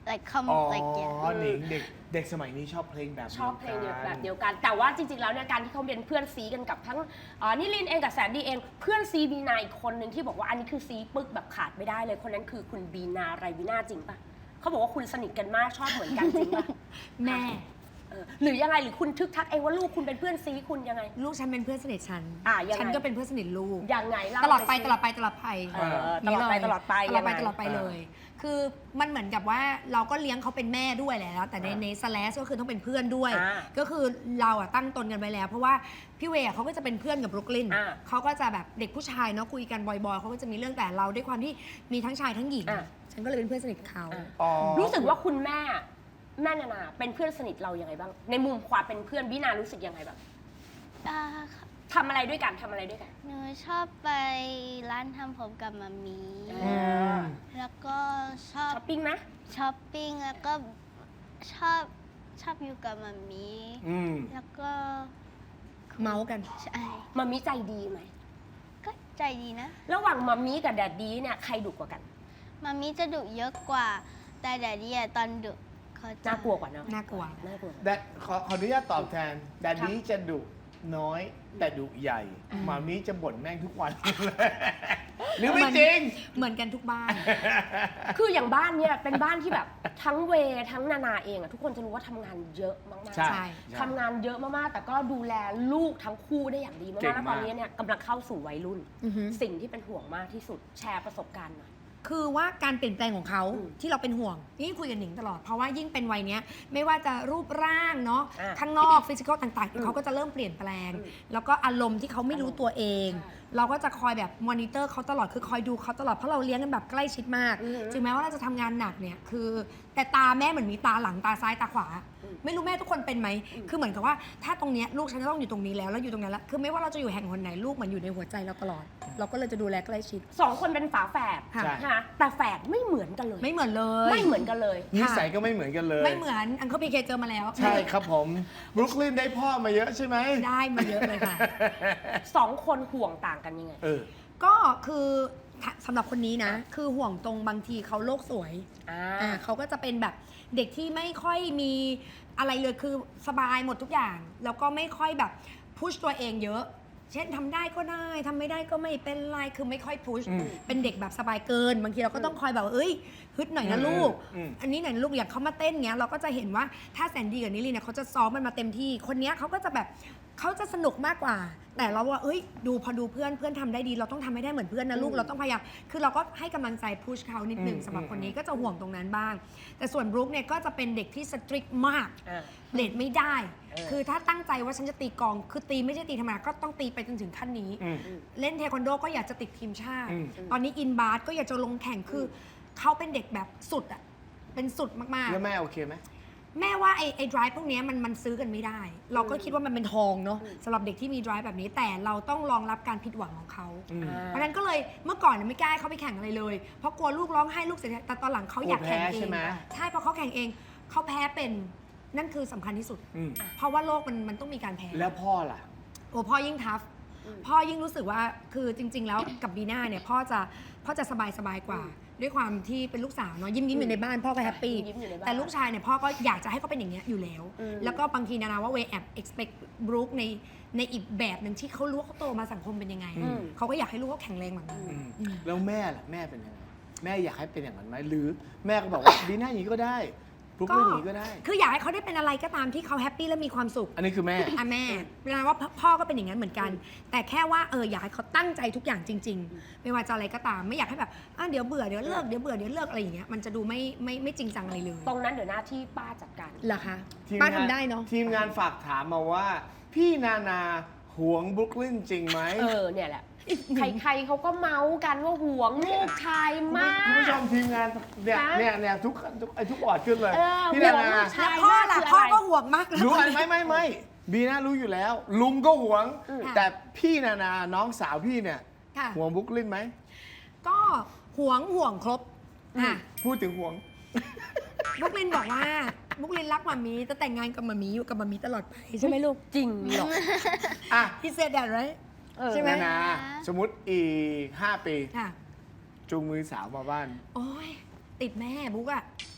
[SPEAKER 6] like come
[SPEAKER 4] อ๋อ
[SPEAKER 6] like yeah
[SPEAKER 4] หนิงเด็กเด็กสมัยนี้ชอบเพลงแบบ
[SPEAKER 2] ชอบเพลงเดียว
[SPEAKER 4] กั
[SPEAKER 2] แบบเดียวกัน แต่ว่าจริงๆ แล้วเนี่ยการที่เขาเป็นเพื่อนซีกันกับทั้งเอ่อนิลินเองกับแซนดี้เอง เพื่อนซีบีนาอีกคนหนึ่งที่บอกว่าอันนี้คือซีปึ๊กแบบขาดไม่ได้เลย คนนั้นคือคุณบีนาไรบีนาจริงปะเขาบอกว่าคุณสนิทกันมากชอบเหมือนกันจริงปะ
[SPEAKER 1] แม่
[SPEAKER 2] เออหรือยังไงหรือคุณทึกทักเองว่าลูกคุณเป็นเพื่อนซีคุณยังไง
[SPEAKER 1] ลูกฉันเป็นเพื่อนสนิทฉัน
[SPEAKER 2] อ่ะยังไง
[SPEAKER 1] ฉันก็เป็นเพื่อนสนิทลูก
[SPEAKER 2] ยังไงเา
[SPEAKER 1] ตลอดไป
[SPEAKER 2] สิ
[SPEAKER 1] ตลอดไปตลอดไป
[SPEAKER 2] เออตลอดไป
[SPEAKER 1] นี่เย
[SPEAKER 2] ตลอดไป
[SPEAKER 1] ตลอดไป
[SPEAKER 2] ยังไง
[SPEAKER 1] ตลอดไปเลย คือมันเหมือนกับว่าเราก็เลี้ยงเขาเป็นแม่ด้วยแหละแล้วแต่ในในสแลชก็คือต้องเป็นเพื่อนด้วย
[SPEAKER 2] อ่า
[SPEAKER 1] ก็คือเราอะตั้งตนกันไปแล้ว เพราะว่าพี่เวย์อะเขาก็จะเป็นเพื่อนกับบรุกลิน
[SPEAKER 2] อ่า
[SPEAKER 1] เขาก็จะแบบเด็กผู้ชายเนาะคุยกันบ่อยๆเขาก็จะมีเรื่องแต่เราด้วยความที่มีทั้งชายทั้งหญิง
[SPEAKER 2] อ่า
[SPEAKER 1] ฉันก็เลยเป็นเพื่อนสนิทเขา
[SPEAKER 2] อ่า
[SPEAKER 4] อ๋อ
[SPEAKER 2] รู้สึกว่าคุณแม่แม่นานาเป็นเพื่อนสนิทเรายังไงบ้าง ในมุมความเป็นเพื่อนบีนารู้สึกยังไงบ้าง
[SPEAKER 6] อ่า
[SPEAKER 2] ทำอะไรด้วยกันทำอะไรด้วยกัน
[SPEAKER 6] หนูชอบไปร้านทำผมกับมามี
[SPEAKER 2] อืม
[SPEAKER 6] แล้วก็ชอบ
[SPEAKER 2] ช้อปปิ้งไหม
[SPEAKER 6] ช้อปปิ้งแล้วก็ชอบชอบอยู่กับมามี
[SPEAKER 4] อืม
[SPEAKER 6] แล้วก็
[SPEAKER 1] เมาส์กัน
[SPEAKER 6] ใช่
[SPEAKER 2] มามิใจดีไหม
[SPEAKER 6] ก็ใจดีนะ
[SPEAKER 2] ระหว่างมามิกับแดดดี้เนี่ยใครดุกว่ากัน
[SPEAKER 6] มามีจะดุเยอะกว่า แต่แดดดี้อะตอนดุเขาจะ
[SPEAKER 2] น่ากลัวกว่าเนอะ
[SPEAKER 1] น่ากลัว
[SPEAKER 2] น่ากลัว
[SPEAKER 4] แดดขอขออนุญาตตอบแทนแดดดี้จะดุน้อยแต่ดุใหญ่หมามีจะบ่นแม่งทุกวัน หรือไม่จริง
[SPEAKER 1] เหมือนกันทุกบ้าน
[SPEAKER 2] คืออย่างบ้านเนี่ยเป็นบ้านที่แบบทั้งเวย์ทั้งนานาเองอะทุกคนจะรู้ว่าทำงานเยอะมากๆ
[SPEAKER 4] ใช่
[SPEAKER 1] ใช่
[SPEAKER 2] ทำงานเยอะมากๆ แต่ก็ดูแลลูกทั้งคู่ได้อย่างดีมาก
[SPEAKER 4] เก่ง
[SPEAKER 2] ๆ แล้ว
[SPEAKER 4] มาก
[SPEAKER 2] ตอนนี้เนี่ยกำลังเข้าสู่วัยรุ่น
[SPEAKER 1] อือฮึ
[SPEAKER 2] สิ่งที่เป็นห่วงมากที่สุดแชร์ประสบการณ์หน่อย
[SPEAKER 1] คือว่าการเปลี่ยนแปลงของเขา
[SPEAKER 2] อืม
[SPEAKER 1] ที่เราเป็นห่วงนี่คุยกับหนิงตลอด เพราะว่ายิ่งเป็นวัยเนี้ยไม่ว่าจะรูปร่างเนาะ
[SPEAKER 2] อ่ะ
[SPEAKER 1] ข้างนอกฟิสิกอลต่าง
[SPEAKER 2] อืม
[SPEAKER 1] ๆเขาก็จะเริ่มเปลี่ยนแปลง
[SPEAKER 2] อืม
[SPEAKER 1] แล้วก็อารมณ์ที่เขาไม่รู้ตัวเอง
[SPEAKER 2] ใช่
[SPEAKER 1] เราก็จะคอยแบบมอนิเตอร์เขาตลอดคือคอยดูเขาตลอดเพราะเราเลี้ยงกันแบบใกล้ชิดมาก
[SPEAKER 2] อืม
[SPEAKER 1] ถึงแม้ว่าเราจะทำงานหนักเนี่ยคือ แต่ตาแม่เหมือนมีตาหลังตาซ้ายตาขวา
[SPEAKER 2] อืม
[SPEAKER 1] ไม่รู้แม่ทุกคนเป็นไหม
[SPEAKER 2] อืม
[SPEAKER 1] คือเหมือนกับว่าถ้าตรงเนี้ยลูกฉันจะต้องอยู่ตรงนี้แล้วแล้วอยู่ตรงนั้นแล้วคือไม่ว่าเราจะอยู่แห่งหนไหนลูกเหมือนอยู่ในหัวใจเราตลอด เราก็เลยจะดูแลใกล้ชิด
[SPEAKER 2] สองคนเป็นฝาแฝด
[SPEAKER 1] ค่ะ
[SPEAKER 4] ใช่
[SPEAKER 2] นะคะแต่แฝดไม่เหมือนกันเลย
[SPEAKER 1] ไม่เหมือนเลย
[SPEAKER 2] ไม่เหมือนกันเลย
[SPEAKER 4] นิสัยก็ไม่เหมือนกันเลย
[SPEAKER 1] ไม่เหมือนอังเคิลพีเคเจอมาแล้ว
[SPEAKER 4] ใช่ครับผมบรุกลินได้พ่อมาเยอะใช่ไหม
[SPEAKER 1] ได้มาเยอะเลยค่ะ
[SPEAKER 2] สองคนห่วงต่างกันยังไง
[SPEAKER 4] เออ
[SPEAKER 1] ก็คือถ้าสำหรับคนนี้นะ คือห่วงตรงบางทีเขาโลกสวย
[SPEAKER 2] อ่า
[SPEAKER 1] อ่าเขาก็จะเป็นแบบเด็กที่ไม่ค่อยมีอะไรเลยคือสบายหมดทุกอย่าง แล้วก็ไม่ค่อยแบบพุชตัวเองเยอะ เช่นทำได้ก็ได้ทำไม่ได้ก็ไม่เป็นไรคือไม่ค่อยพุช
[SPEAKER 4] อืม
[SPEAKER 1] เป็นเด็กแบบสบายเกิน บางทีเราก็ต้องคอยแบบว่าเอ้ยฮึดหน่อยนะลูก
[SPEAKER 4] อืม
[SPEAKER 1] อันนี้หน่อยนะลูกอยากเขามาเต้นเงี้ยเราก็จะเห็นว่าถ้าแซนดี้กับนิลลี่เนี่ยเขาจะซ้อมมันมาเต็มที่คนเนี้ยเขาก็จะแบบเขาจะสนุกมากกว่า แต่เราว่าเอ้ยดูพอดูเพื่อนเพื่อนทำได้ดี เราต้องทำให้ได้เหมือนเพื่อนนะลูก
[SPEAKER 2] อืม
[SPEAKER 1] เราต้องพยายามคือเราก็ให้กำลังใจพุชเขานิดหนึ่ง
[SPEAKER 4] อืม
[SPEAKER 1] สำหรับคนนี้
[SPEAKER 4] อืม
[SPEAKER 1] ก็จะห่วงตรงนั้นบ้าง แต่ส่วนบรุกเนี่ยก็จะเป็นเด็กที่สตริกมาก
[SPEAKER 2] อ่า
[SPEAKER 1] เลดไม่ได้
[SPEAKER 2] เออ
[SPEAKER 1] คือถ้าตั้งใจว่าฉันจะตีกลอง คือตีไม่ใช่ตีธรรมดาก็ต้องตีไปจนถึงขั้นนี้
[SPEAKER 4] อืม
[SPEAKER 1] เล่นเทควันโดก็อยากจะติดทีมชาติ
[SPEAKER 4] อืม
[SPEAKER 1] ตอนนี้อินบาสก็อยากจะลงแข่ง คือเขาเป็นเด็กแบบสุดอะเป็นสุดมาก
[SPEAKER 4] แล้วแม่โอเคไหม
[SPEAKER 1] ๆ แม่ว่าไอ้ไอ้ drive พวกเนี้ยมันมันซื้อกันไม่ได้ เราก็คิดว่ามันเป็นทองเนาะสำหรับเด็กที่มี drive แบบนี้ แต่เราต้องรองรับการผิดหวังของเขา
[SPEAKER 4] อืม
[SPEAKER 1] เพราะฉะนั้นก็เลยเมื่อก่อนเนี่ยไม่กล้าให้เขาไปแข่งอะไรเลย เพราะกลัวลูกร้องไห้ลูกเสียใจแต่ตอนหลังเขาอยากแข่ง
[SPEAKER 4] กลัวแพ้
[SPEAKER 1] เอ
[SPEAKER 4] ใช่
[SPEAKER 1] ง
[SPEAKER 4] ไหม
[SPEAKER 1] ใช่เพราะเขาแข่งเองเขาแพ้เป็นนั่นคือสำคัญที่สุด
[SPEAKER 4] อืม
[SPEAKER 1] เพราะว่าโลกมันมันต้องมีการแพ้
[SPEAKER 4] แล้วพ่อล่ะ
[SPEAKER 1] โอ้พ่อยิ่งทัฟพ่อยิ่งรู้สึกว่าคือจริง ๆ แล้วกับบีน่าเนี่ยพ่อจะพ่อจะสบายสบายกว่า ด้วยความที่เป็นลูกสาวเนาะยิ้มยิ้มอยู่ในบ้านพ่อก็แฮปปี้
[SPEAKER 2] ยิ้มอยู่ในบ้าน
[SPEAKER 1] แต่ลูกชายเนี่ยพ่อก็อยากจะให้เขาเป็นอย่างเงี้ยอยู่แล้ว
[SPEAKER 2] อืม
[SPEAKER 1] แล้วก็บางทีนานาว่าเวแอบ expect บรูคในในอีกแบบหนึ่งที่เขารู้ว่าเขาโตมาสังคมเป็นยังไง
[SPEAKER 4] อืม
[SPEAKER 1] เขาก็อยากให้ลูกเขาแข็งแรงแบบนั้น
[SPEAKER 4] อืม
[SPEAKER 1] อืม
[SPEAKER 4] แล้วแม่ล่ะแม่เป็นยังไงแม่อยากให้เป็นอย่างนั้นไหมหรือแม่ก็บอกว่า ดีน่าอย่างนี้ก็ได้บรุกลินอย่างนี้ก็ได้
[SPEAKER 1] คืออยากให้เขาได้เป็นอะไรก็ตามที่เขาแฮปปี้และมีความสุข
[SPEAKER 4] อันนี้คือแม่
[SPEAKER 1] อ่ะแม่เวลาว่าพ่อก็เป็นอย่างนั้นเหมือนกัน แต่แค่ว่าเอออยากให้เขาตั้งใจทุกอย่างจริง ๆ ไม่ว่าจะอะไรก็ตาม ไม่อยากให้แบบอ่ะเดี๋ยวเบื่อเดี๋ยวเลิกเดี๋ยวเบื่อเดี๋ยวเลิกอะไรอย่างเงี้ยมันจะดูไม่ไม่ไม่จริงจังอะไรเลย
[SPEAKER 2] ตรงนั้นเดี๋ยวหน้าที่ป้าจัดการ
[SPEAKER 1] เหรอคะ
[SPEAKER 4] ทีม
[SPEAKER 1] ป้าง ทำได้เนาะ
[SPEAKER 4] ทีมงานฝากถามมาว่า พี่นานาหวงบรุกลินจริงไหม
[SPEAKER 2] เออเนี่ยแหละ ใครๆเขาก็เมาส์กันว่าห่วงลูกชายมาก
[SPEAKER 4] คุณผู้ชมทีมงานเนี่ย
[SPEAKER 2] ฮะ
[SPEAKER 4] เนี่ยเนี่ยทุกทุกไอ้ทุกบอร์ดขึ้นเลย
[SPEAKER 2] เออ
[SPEAKER 4] พี่นา
[SPEAKER 2] ห่วง
[SPEAKER 4] นา
[SPEAKER 2] ลูกชาย
[SPEAKER 1] แล้วพ่อล่ะพ่อก็ห่วงมากนะ
[SPEAKER 4] รู้อะไรไหมไม่ไม่บีน่ารู้อยู่แล้ว ลุงก็หวง
[SPEAKER 2] อืม
[SPEAKER 4] แต่พี่นานาน้องสาวพี่เนี่ย
[SPEAKER 1] ค่ะ
[SPEAKER 4] หวงบรุกลินไหม
[SPEAKER 1] ก็ห่วงห่วงครบอ่ะ
[SPEAKER 4] พูดถึงหวง
[SPEAKER 1] บุกลินบอกว่าบุกลินรักมามีจะแต่งงานกับมามีอยู่กับมามีตลอดไปใช่ไหมลูก
[SPEAKER 2] จริงเหรอ
[SPEAKER 4] อ่ะ
[SPEAKER 1] พี่เซดแดดไร
[SPEAKER 2] เออ
[SPEAKER 1] ใช่ไหม
[SPEAKER 4] นานาสมมติอีกห้าปี
[SPEAKER 1] ค่ะ
[SPEAKER 4] จูงมือสาวมาบ้าน
[SPEAKER 1] โอ้ยติดแม่บุ๊กอะ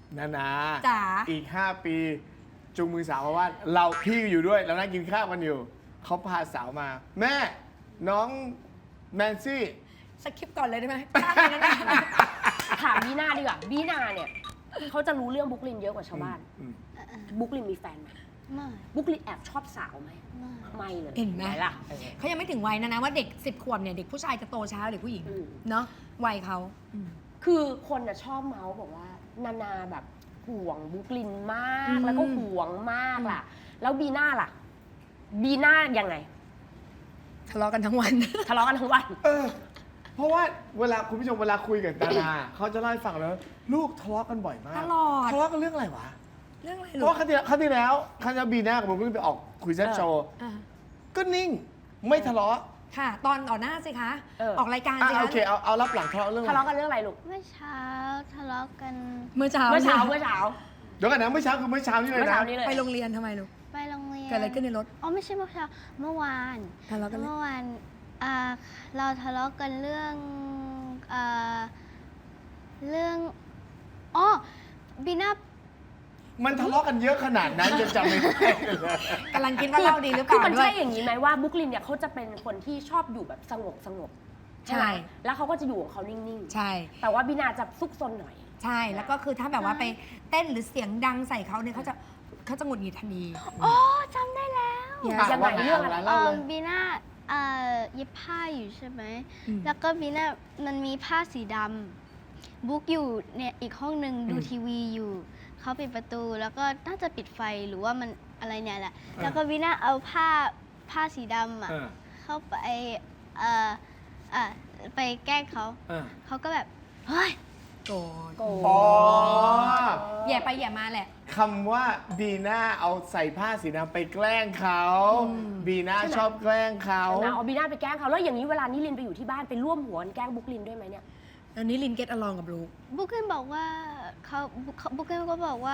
[SPEAKER 4] นานา
[SPEAKER 1] จ๋า
[SPEAKER 4] อีก ห้า ปี จูงมือสาวมาว่าเราพี่อยู่ด้วยเรานั่งกินข้าวกันอยู่ เขาพาสาวมา แม่น้องแนนซี่
[SPEAKER 1] สคริปต์ก่อนเลยได้ไหมกล้าเลยนะเนี่ย
[SPEAKER 2] ถามบีน่าดีกว่าบีน่าเนี่ยเขาจะรู้เรื่องบุ๊กลินเยอะกว่าชาวบ้าน
[SPEAKER 4] อืม
[SPEAKER 2] บุ๊กลินมีแฟนไหม
[SPEAKER 6] ไม่
[SPEAKER 2] บุ๊กลินแอบชอบสาวไหม
[SPEAKER 6] ไม่
[SPEAKER 2] ไม่เลย
[SPEAKER 1] เห็นไหม
[SPEAKER 2] ล่ะเออ
[SPEAKER 1] เขายังไม่ถึงวัยนะนะว่าเด็กสิบขวบเนี่ยเด็กผู้ชายจะโตช้าหรือผู้หญิง
[SPEAKER 2] อืม
[SPEAKER 1] เนาะวัยเขาอืม
[SPEAKER 2] คือคนน่ะชอบเมาส์บอกว่านานาแบบห่วงบุ๊กลินมาก
[SPEAKER 1] อืม
[SPEAKER 2] แล้วก็ห่วงมากล่ะ แล้วบีน่าล่ะ บีน่ายังไง
[SPEAKER 1] ทะเลาะกันทั้งวัน
[SPEAKER 2] ทะเลาะกันทั้งวัน
[SPEAKER 4] เออ เพราะว่าเวลาคุณผู้ชมเวลาคุยกับนานา เขาจะเล่าให้ฟังแล้วลูกทะเลาะกันบ่อยมาก
[SPEAKER 1] ตลอด
[SPEAKER 4] ทะเลาะกันเรื่องอะไรวะ
[SPEAKER 1] เรื่องอะไร
[SPEAKER 4] เพ
[SPEAKER 1] ลู
[SPEAKER 4] ราะ
[SPEAKER 1] ก
[SPEAKER 4] ว่าครั้งที่แล้วครั้งที่แล้วครั้งที่แล้วบีน่ากับผมเพิ่งไปออกคุยแซ่บโชว์
[SPEAKER 1] อ่ะ
[SPEAKER 4] ก็นิ่งไม่ทะเลาะ
[SPEAKER 1] ค่ะ ตอนต่อหน้าสิคะ
[SPEAKER 2] เออ
[SPEAKER 1] ออกรายการ
[SPEAKER 4] อ่ะ
[SPEAKER 1] สิ
[SPEAKER 4] โอ
[SPEAKER 1] คะ
[SPEAKER 4] เคเอาเอารับหลังทะเลาะเรื่อง
[SPEAKER 2] ทะ
[SPEAKER 4] อะไร
[SPEAKER 2] เลาะกันเรื่องอะไรลูก
[SPEAKER 6] เมื่อเช้าทะเลาะกัน
[SPEAKER 1] เมื่อเช้า
[SPEAKER 2] เมื่อเช้าเมื่อเช้า
[SPEAKER 4] เดี๋ยวกันนะเมื่อเช้าคือเมื่อเช้านี่เลย
[SPEAKER 2] เมื่อ
[SPEAKER 4] นะ
[SPEAKER 2] เช้านี้เลย
[SPEAKER 1] ไปโรงเรียนทำไมลูก
[SPEAKER 6] ไปโรงเรียน
[SPEAKER 1] เกิดอะไรขึ้นในรถ
[SPEAKER 6] อ๋อไม่ใช่เมื่อเช้าเมื่อวาน
[SPEAKER 1] ทะเลาะกันเรื่อง
[SPEAKER 6] เมื่อวานอ่าเราทะเลาะกันเรื่องอ่าเรื่องอ๋อบีน่า
[SPEAKER 4] มันทะเลาะกันเยอะขนาดนั้นจนจำไม่ได้เลย
[SPEAKER 1] กำลังคิดว่าเล่าดีหรือเป
[SPEAKER 2] คือ
[SPEAKER 1] ล่า
[SPEAKER 2] มัน
[SPEAKER 1] ด้ว
[SPEAKER 2] ใช่
[SPEAKER 1] ย
[SPEAKER 2] อย่างนี้ไหมว่าบุ๊กลินเนี่ยเขาจะเป็นคนที่ชอบอยู่แบบสงบสงบใช่ไหม
[SPEAKER 1] ใช่
[SPEAKER 2] แล้วเขาก็จะอยู่ของเขานิ่ง
[SPEAKER 1] ใช่
[SPEAKER 2] ๆ แต่ว่าบีนาจะซุกซนหน่อย
[SPEAKER 1] ใช่แล้วก็คือถ้าแบบว่าไปเต้นหรือเสียงดังใส่เขาเนี่ยเขาจะเขาจะหงุดหงิดทันที
[SPEAKER 6] อ๋อจำได้แล้ว
[SPEAKER 1] อย่า
[SPEAKER 4] อ่ะ
[SPEAKER 2] ยังไง
[SPEAKER 4] ว่า
[SPEAKER 2] เรื่องอะไร
[SPEAKER 4] เล่า
[SPEAKER 6] เอ่
[SPEAKER 4] เล
[SPEAKER 6] อย บีน่าเอ่อเย็บผ้าอยู่ใช่ไหม
[SPEAKER 1] อืม
[SPEAKER 6] แล้วก็บีน่ามันมีผ้าสีดำบุ๊กอยู่เนี่ยอีกห้องหนึ่งดู
[SPEAKER 1] อืม
[SPEAKER 6] ทีวีอยู่เขาปิดประตูแล้วก็น่าจะปิดไฟหรือว่ามันอะไรเนี่ยแหละ แล้วก็บีน่าเอาผ้าผ้าสีดำอ่ะ
[SPEAKER 4] เออ
[SPEAKER 6] เข้าไปเอ่อเอ่อไปแกล้งเขา
[SPEAKER 4] เออ
[SPEAKER 6] เขาก็แบบเฮ้ย
[SPEAKER 1] โกรธ
[SPEAKER 2] โกรธ
[SPEAKER 4] อ๋อ
[SPEAKER 1] แย่ไปแย่มาแหละ
[SPEAKER 4] คำว่าบีน่าเอาใส่ผ้าสีดำไปแกล้งเขา
[SPEAKER 1] อืม
[SPEAKER 4] บีน่าชอบแกล้งเขา
[SPEAKER 2] นะเอาบีนาไปแกล้งเขาแล้วอย่างนี้เวลานิลินไปอยู่ที่บ้านไปร่วมหัวกันแกล้งบุ๊กลินด้วยไหมเนี่ย
[SPEAKER 1] อันนี้ลินเก็ตอลองกับลูก
[SPEAKER 6] บุ๊กเกนบอกว่าเขาเขาบุ๊กเกนก็บอกว่า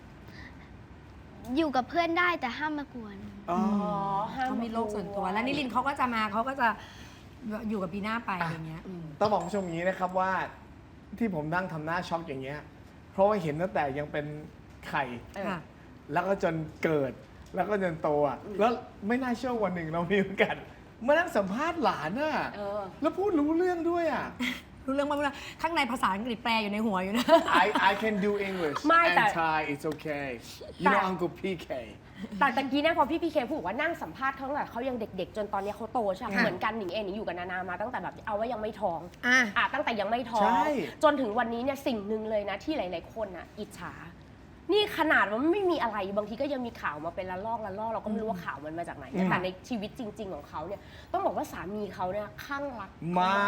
[SPEAKER 6] อยู่กับเพื่อนได้แต่ห้ามมากวน
[SPEAKER 4] อ๋อ
[SPEAKER 2] ห้าม
[SPEAKER 1] เขามีโลกส่วนตัว แล้วนิลินเขาก็จะมาเขาก็จะอยู่กับบีน่าไปอะไรเงี้ย
[SPEAKER 4] ต้องบอกคุณผู้ชมอย่างนี้นะครับว่าที่ผมนั่งทำหน้าช็อกอย่างเงี้ย เพราะว่าเห็นตั้งแต่ยังเป็นไข่
[SPEAKER 2] เออ
[SPEAKER 1] ค่ะ
[SPEAKER 4] แล้วก็จนเกิด แล้วก็จนโตอ่ะ แล้วไม่น่าเชื่อวันหนึ่งเรามีโอกาสมานั่งสัมภาษณ์หลานอ่ะ
[SPEAKER 2] เออ
[SPEAKER 4] แล้วพูดรู้เรื่องด้วยอ่ะ
[SPEAKER 1] รู้เรื่องว่ารู้เรื่องข้างในภาษาอังกฤษแปลอยู่ในหัวอยู่นะ
[SPEAKER 4] I I can do English
[SPEAKER 2] ไม่
[SPEAKER 4] and
[SPEAKER 2] แต่
[SPEAKER 4] Thai it's okay you
[SPEAKER 2] แต่
[SPEAKER 4] know Uncle พี เค
[SPEAKER 2] แต่ตะกี้เนี่ยพอพี่พีเคพูดว่านั่งสัมภาษณ์เขาตั้งแต่เขายังเด็กๆ จนตอนนี้เขาโตใช่ไหม
[SPEAKER 1] ค่ะ
[SPEAKER 2] เหมือนกันหนิงเองหนิงอยู่กับนานามาตั้งแต่แบบเอาว่ายังไม่ท้อง
[SPEAKER 1] อ่ะ
[SPEAKER 2] อ่ะตั้งแต่ยังไม่ท้อง
[SPEAKER 4] ใช่
[SPEAKER 2] จนถึงวันนี้เนี่ยสิ่งหนึ่งเลยนะที่หลายๆคนอ่ะอิจฉา นี่ขนาดว่ามันไม่มีอะไรบางทีก็ยังมีข่าวมาเป็นละลอกละลอกเราก็ไม่รู้ว่าข่าวมันมาจากไหนนะแต่ในชีวิตจริง ๆ ของเขาเนี่ยต้องบอกว่าสามีเขาเนี่ยคลั่งรัก
[SPEAKER 4] มาก